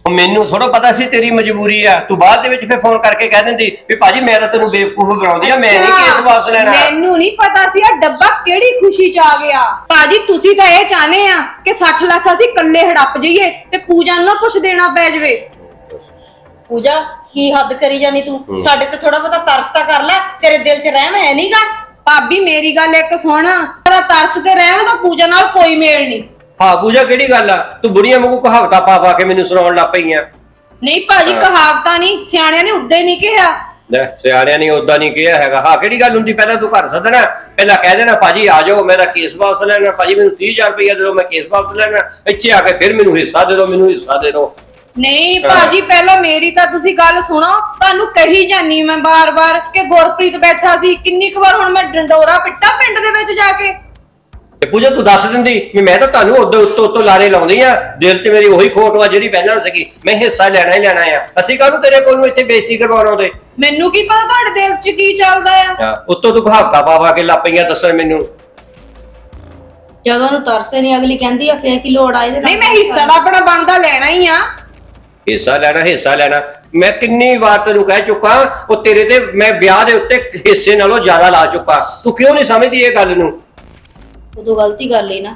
[SPEAKER 3] ਉਹ ਮੈਨੂੰ ਥੋੜਾ ਪਤਾ ਸੀ ਤੇਰੀ ਮਜਬੂਰੀ ਆ, ਤੂੰ ਬਾਅਦ ਦੇ ਵਿੱਚ ਫਿਰ ਫੋਨ ਕਰਕੇ ਕਹਿ ਦਿੰਦੀ ਵੀ ਭਾਜੀ ਮੈਂ ਤਾਂ ਤੈਨੂੰ ਬੇਵਕੂਫ ਬਣਾਉਂਦੀ ਆ, ਮੈਂ ਨਹੀਂ ਕੇਸ ਵਾਪਸ ਲੈਣਾ।
[SPEAKER 1] ਮੈਨੂੰ ਨਹੀਂ ਪਤਾ ਸੀ ਆ ਡੱਬਾ ਕਿਹੜੀ ਖੁਸ਼ੀ ਚ ਆ ਗਿਆ। ਭਾਜੀ ਤੁਸੀਂ ਤਾਂ ਇਹ ਚਾਹਨੇ ਆ ਕਿ ਸੱਠ ਲੱਖ ਅਸੀਂ ਇਕੱਲੇ ਹੜੱਪ ਜਾਈਏ ਤੇ ਪੂਜਾ ਨੂੰ ਨਾ ਕੁਝ ਦੇਣਾ ਪੈ ਜਾਵੇ।
[SPEAKER 2] ਪੂਜਾ ਕੀ ਹੱਦ ਕਰੀ ਜਾਨੀ ਤੂੰ, ਸਾਡੇ ਤੇ ਥੋੜਾ ਬਹੁਤਾ ਤਰਸ ਤਾਂ ਕਰ ਲੈ, ਤੇਰੇ ਦਿਲ 'ਚ ਰਹਿਮ ਹੈ ਨਹੀਂਗਾ।
[SPEAKER 1] ਭਾਬੀ ਮੇਰੀ ਗੱਲ ਇੱਕ ਸੁਣ, ਤੇਰਾ ਤਰਸ ਤੇ ਰਹਿਮ ਤਾਂ ਪੂਜਾ ਨਾਲ ਕੋਈ ਮੇਲ ਨਹੀਂ।
[SPEAKER 3] ਹਾਂ ਪੂਜਾ ਕਿਹੜੀ ਗੱਲ ਆ, ਤੂੰ ਬੁੜੀਆਂ ਵਾਂਗੂ ਕਹਾਵਤਾਂ ਪਾ ਪਾ ਕੇ ਮੈਨੂੰ ਸੁਣਾਉਣ ਲੱਗ ਪਈਆਂ।
[SPEAKER 1] ਨਹੀਂ ਭਾਜੀ ਕਹਾਵਤਾਂ ਨਹੀਂ, ਸਿਆਣਿਆਂ ਨੇ ਉਦਾਂ ਹੀ ਨਹੀਂ ਕਿਹਾ।
[SPEAKER 3] ਲੈ ਸਿਆਣਿਆਂ ਨੇ ਉਦਾਂ ਨਹੀਂ ਕਿਹਾ ਹੈਗਾ। ਹਾਂ ਕਿਹੜੀ ਗੱਲ ਹੁੰਦੀ, ਪਹਿਲਾਂ ਤੂੰ ਘਰ ਸੱਦਣਾ, ਪਹਿਲਾਂ ਕਹਿ ਦੇਣਾ ਭਾਜੀ ਆ ਜਾਓ ਮੇਰਾ ਕੇਸ ਵਾਪਸ ਲੈਣਾ, ਭਾਜੀ ਮੈਨੂੰ ਤੀਹ ਹਜ਼ਾਰ ਰੁਪਇਆ ਦੇ ਦਿਓ ਮੈਂ ਕੇਸ ਵਾਪਸ ਲੈਣਾ, ਇੱਥੇ ਆ ਕੇ ਫਿਰ ਮੈਨੂੰ ਹਿੱਸਾ ਦੇ ਦਿਓ, ਮੈਨੂੰ ਹਿੱਸਾ ਦੇ ਦਿਓ।
[SPEAKER 1] ਨਹੀਂ ਭਾਜੀ ਪਹਿਲਾਂ ਮੇਰੀ ਤਾਂ ਤੁਸੀਂ ਗੱਲ ਸੁਣੋ, ਤੁਹਾਨੂੰ ਕਹੀ ਜਾਨੀ ਮੈਂ ਬਾਰ-ਬਾਰ ਕਿ ਗੁਰਪ੍ਰੀਤ ਬੈਠਾ ਸੀ, ਕਿੰਨੀ ਕੁ ਵਾਰ ਹੁਣ ਮੈਂ ਡੰਡੋਰਾ ਪਿੱਟਾ ਪਿੰਡ ਦੇ ਵਿੱਚ ਜਾ ਕੇ।
[SPEAKER 3] ਤੇ ਪੂਜਾ ਤੂੰ ਦੱਸ ਦਿੰਦੀ ਵੀ ਮੈਂ ਤਾਂ ਤੁਹਾਨੂੰ ਉਦੋਂ ਉੱਤੋਂ ਉੱਤੋਂ ਲਾਰੇ ਲਾਉਂਦੀ ਆ, ਦਿਲ 'ਚ ਮੇਰੀ ਉਹੀ ਖੋਟ ਵਾ ਜਿਹੜੀ ਪਹਿਲਾਂ ਸੀਗੀ, ਮੈਂ ਹਿੱਸਾ ਲੈਣਾ ਹੀ ਲੈਣਾ ਆ। ਅਸੀਂ ਕਾਹਨੂੰ ਤੇਰੇ ਕੋਲ ਨੂੰ ਇੱਥੇ ਬੇਇੱਜ਼ਤੀ ਕਰਵਾਉਣਾ ਉਹਦੇ।
[SPEAKER 1] ਮੈਨੂੰ ਕੀ ਪਤਾ ਤੁਹਾਡੇ ਦਿਲ 'ਚ ਕੀ ਚੱਲਦਾ ਆ।
[SPEAKER 3] ਹਾਂ ਉੱਤੋਂ ਤੂੰ ਕਹਾਵਤਾਂ ਪਾ ਪਾ ਕੇ ਲੱਗ ਪਈਆਂ ਦੱਸਣ ਮੈਨੂੰ।
[SPEAKER 2] ਜਦੋਂ ਉਹਨੂੰ ਤਰਸੇ ਨਹੀਂ ਅਗਲੀ ਕਹਿੰਦੀ ਆ ਫੇਰ ਕੀ ਲੋੜ ਆ ਇਹਦੇ ਨਾਲ।
[SPEAKER 1] ਨਹੀਂ ਮੈਂ ਹਿੱਸਾ ਤਾਂ ਆਪਣਾ ਬਣਦਾ ਲੈਣਾ ਹੀ ਆ।
[SPEAKER 3] ਹਿੱਸਾ ਲੈਣਾ ਹਿੱਸਾ ਲੈਣਾ ਮੈਂ ਕਿੰਨੀ ਵਾਰ ਤੈਨੂੰ ਕਹਿ ਚੁੱਕਾ, ਉਹ ਤੇਰੇ ਤੇ ਮੈਂ ਵਿਆਹ ਦੇ ਉੱਤੇ ਹਿੱਸੇ ਨਾਲੋਂ ਜ਼ਿਆਦਾ ਲਾ ਚੁੱਕਾ, ਤੂੰ ਕਿਉਂ ਨਹੀਂ ਸਮਝਦੀ ਇਹ ਗੱਲ ਨੂੰ।
[SPEAKER 2] ਉਦੋਂ ਗਲਤੀ ਕਰ ਲਈ ਨਾ।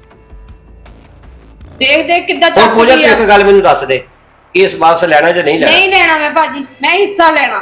[SPEAKER 1] ਦੇਖ ਦੇਖ ਕਿੱਦਾਂ
[SPEAKER 3] ਹੁਣ ਪੂਜਾ
[SPEAKER 1] ਚੱਲਦੀ
[SPEAKER 3] ਤੂੰ
[SPEAKER 1] ਆ।
[SPEAKER 3] ਇੱਕ ਗੱਲ ਮੈਨੂੰ ਦੱਸ ਦੇ, ਕੇਸ ਵਾਪਸ ਲੈਣਾ ਜਾਂ ਨਹੀਂ ਲੈਣਾ।
[SPEAKER 1] ਨਹੀਂ ਲੈਣਾ ਮੈਂ ਭਾਜੀ, ਮੈਂ ਹਿੱਸਾ ਲੈਣਾ।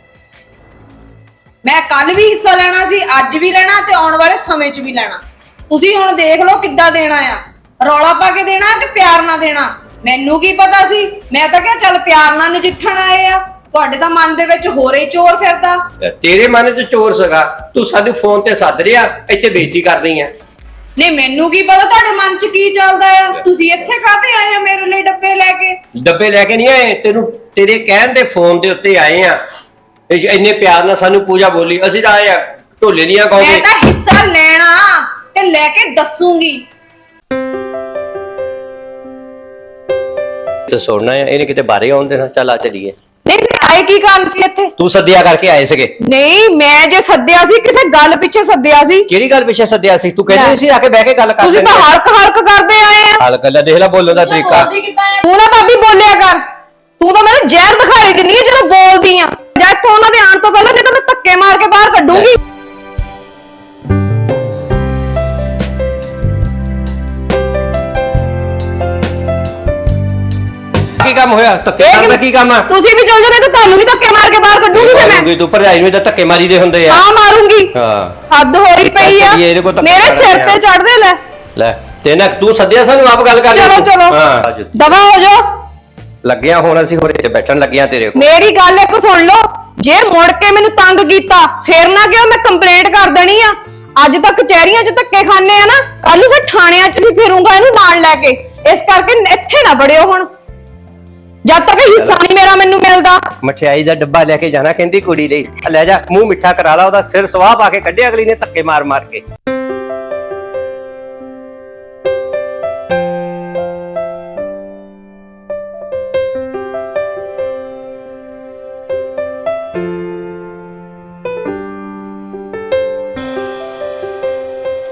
[SPEAKER 1] ਮੈਂ ਕੱਲ ਵੀ ਹਿੱਸਾ ਲੈਣਾ ਸੀ, ਅੱਜ ਵੀ ਲੈਣਾ ਤੇ ਆਉਣ ਵਾਲੇ ਸਮੇਂ 'ਚ ਵੀ ਲੈਣਾ। ਤੁਸੀਂ ਹੁਣ ਦੇਖ ਲਓ ਕਿੱਦਾਂ ਦੇਣਾ ਆ, ਰੌਲਾ ਪਾ ਕੇ ਦੇਣਾ ਕਿ ਪਿਆਰ ਨਾਲ ਦੇਣਾ। ਮੈਨੂੰ ਕੀ ਪਤਾ ਸੀ, ਮੈਂ ਤਾਂ ਕਿਹਾ ਚੱਲ ਪਿਆਰ ਨਾਲ ਨਜਿੱਠਣ ਆਏ ਆ, ਤੁਹਾਡੇ ਤਾਂ ਮਨ ਦੇ ਵਿੱਚ ਹੋਰ ਹੀ ਚੋਰ ਫਿਰਦਾ।
[SPEAKER 3] ਤੇਰੇ ਮਨ 'ਚ ਚੋਰ ਸੀਗਾ, ਤੂੰ ਸਾਨੂੰ ਫੋਨ ਤੇ ਸੱਦ ਰਿਹਾ, ਇੱਥੇ ਬੇਇੱਜ਼ਤੀ ਕਰਦੀ ਆ।
[SPEAKER 1] ਨਹੀਂ ਮੈਨੂੰ ਕੀ ਪਤਾ ਤੁਹਾਡੇ ਮਨ 'ਚ ਕੀ ਚੱਲਦਾ ਆ। ਤੁਸੀਂ ਇੱਥੇ ਕਾਹਤੇ ਆਏ ਆ ਮੇਰੇ ਲਈ ਡੱਬੇ ਲੈ ਕੇ?
[SPEAKER 3] ਡੱਬੇ ਲੈ ਕੇ ਨਹੀਂ ਆਏ, ਤੈਨੂੰ ਤੇਰੇ ਕਹਿਣ ਦੇ ਫੋਨ ਦੇ ਉੱਤੇ ਆਏ ਆ। ਇਹ ਇੰਨੇ ਪਿਆਰ ਨਾਲ ਸਾਨੂੰ ਪੂਜਾ ਬੋਲੀ, ਅਸੀਂ ਤਾਂ ਆਏ ਆ ਢੋਲੇ ਦੀਆਂ
[SPEAKER 1] ਮੈਂ
[SPEAKER 3] ਗਾਉਂਦੇ।
[SPEAKER 1] ਤਾਂ ਹਿੱਸਾ ਲੈਣਾ ਤੇ ਲੈ ਕੇ ਦੱਸੂਗੀ।
[SPEAKER 3] ਤੇ ਸੁਣਨਾ ਆ, ਇਹਨੇ ਕਿਤੇ ਬਾਹਰ ਆਉਣ ਦੇਣਾ। ਚੱਲ ਆ ਚਲੀਏ।
[SPEAKER 5] ਨਹੀਂ ਫਿਰ ਆਏ ਕੀ ਕਾਰਨ ਸੀ ਇੱਥੇ?
[SPEAKER 3] ਤੂੰ ਸੱਦਿਆ ਕਰਕੇ ਆਏ ਸੀਗੇ।
[SPEAKER 5] ਨਹੀਂ ਮੈਂ ਜੇ ਸੱਦਿਆ ਸੀ ਕਿਸੇ ਗੱਲ ਪਿੱਛੇ ਸੱਦਿਆ ਸੀ।
[SPEAKER 3] ਕਿਹੜੀ ਗੱਲ ਪਿੱਛੇ ਸੱਦਿਆ ਸੀ? ਤੂੰ ਕਹਿੰਦੀ ਸੀ ਆ ਕੇ ਬਹਿ ਕੇ ਗੱਲ ਕਰ
[SPEAKER 5] ਤੁਸੀਂ ਤਾਂ ਹਲਕ ਹਲਕ ਕਰਦੇ ਆਏ ਆ।
[SPEAKER 3] ਹਾਲ ਗੱਲਾਂ ਦੇਖ ਲੈ, ਬੋਲਣ ਦਾ ਤਰੀਕਾ।
[SPEAKER 5] ਤੂੰ ਨਾ ਭਾਬੀ ਬੋਲਿਆ ਕਰ, ਤੂੰ ਤਾਂ ਮੈਨੂੰ ਜ਼ਹਿਰ ਦਿਖਾਈ ਦਿੰਦੀ ਹੈ ਜਦੋਂ ਬੋਲਦੀ ਆ। ਜਾਂ ਇੱਥੋਂ ਉਹਨਾਂ ਦੇ ਆਉਣ ਤੋਂ ਪਹਿਲਾਂ ਨਹੀਂ ਤਾਂ ਮੈਂ ਧੱਕੇ ਮਾਰ ਕੇ ਬਾਹਰ ਕੱਢੂੰਗੀ।
[SPEAKER 3] ਕੀ ਕੰਮ ਹੋਇਆ? ਧੱਕੇ ਮਾਰਨ ਦਾ ਕੀ ਕੰਮ ਆ?
[SPEAKER 5] ਤੁਸੀਂ ਵੀ ਚਲ ਜਾਣੇ ਤਾਂ ਤੁਹਾਨੂੰ ਵੀ ਧੱਕੇ ਮਾਰ ਕੇ ਬਾਹਰ ਕੱਢੂੰਗੀ ਫਿਰ ਮੈਂ।
[SPEAKER 3] ਮਾਰੂੰਗੀ, ਤੂੰ ਭਰਜਾਈ ਨੂੰ ਤਾਂ ਧੱਕੇ ਮਾਰੀ ਦੇ ਹੁੰਦੇ ਆ।
[SPEAKER 5] ਹਾਂ ਮਾਰੂੰਗੀ।
[SPEAKER 3] ਹਾਂ
[SPEAKER 5] ਹੱਦ ਹੋਈ ਪਈ ਆ,
[SPEAKER 3] ਇਹਦੇ ਕੋਲ ਧੱਕੇ
[SPEAKER 5] ਮੇਰੇ ਸਿਰ
[SPEAKER 3] ਮਾਰਨੇ ਆ।
[SPEAKER 5] ਤੇ ਚੜਦੇ ਲੈ।
[SPEAKER 3] ਲੈ ਤੇ ਨਾ ਤੂੰ ਸੱਦਿਆ ਸਾਨੂੰ, ਆਪ ਗੱਲ ਕਰ।
[SPEAKER 5] ਚਲੋ ਚਲੋ
[SPEAKER 3] ਹਾਂ
[SPEAKER 5] ਦਵਾ ਹੋ ਜਾਓ।
[SPEAKER 3] ਲੱਗਿਆ ਹੁਣ ਅਸੀਂ ਹੋਰੇ ਤੇ ਬੈਠਣ ਲੱਗਿਆ ਤੇਰੇ ਕੋਲ।
[SPEAKER 5] ਮੇਰੀ ਗੱਲ ਇੱਕ ਸੁਣ ਲਓ, ਜੇ ਮੁੜ ਕੇ ਮੈਨੂੰ ਤੰਗ ਕੀਤਾ ਫੇਰ ਨਾ ਕਿਉਂ ਮੈਂ ਕੰਪਲੇਂਟ ਕਰ ਦੇਣੀ ਆ। ਅੱਜ ਤੱਕ ਕਚਹਿਰੀਆਂ 'ਚ ਧੱਕੇ ਖਾਣੇ ਆ ਨਾ, ਕੱਲ ਨੂੰ ਫਿਰ ਥਾਣਿਆਂ 'ਚ ਵੀ ਫਿਰੂੰਗਾ ਇਹਨੂੰ ਨਾਲ ਲੈ ਕੇ। ਇਸ ਕਰਕੇ ਇੱਥੇ ਨਾ ਬੜਿਓ ਹੁਣ, ਜਦ ਤੱਕ ਹਿੱਸਾ ਨਹੀਂ ਮੇਰਾ ਮੈਨੂੰ ਮਿਲਦਾ।
[SPEAKER 3] ਮਠਿਆਈ ਦਾ ਡੱਬਾ ਲੈ ਕੇ ਜਾਣਾ ਕਹਿੰਦੀ ਕੁੜੀ ਲਈ, ਲੈ ਜਾ ਮੂੰਹ ਮਿੱਠਾ ਕਰਾ ਲਾ, ਉਹਦਾ ਸਿਰ ਸਵਾਹ ਪਾ ਕੇ ਕੱਢਿਆ ਅਗਲੀ ਨੇ ਧੱਕੇ ਮਾਰ ਮਾਰ ਕੇ।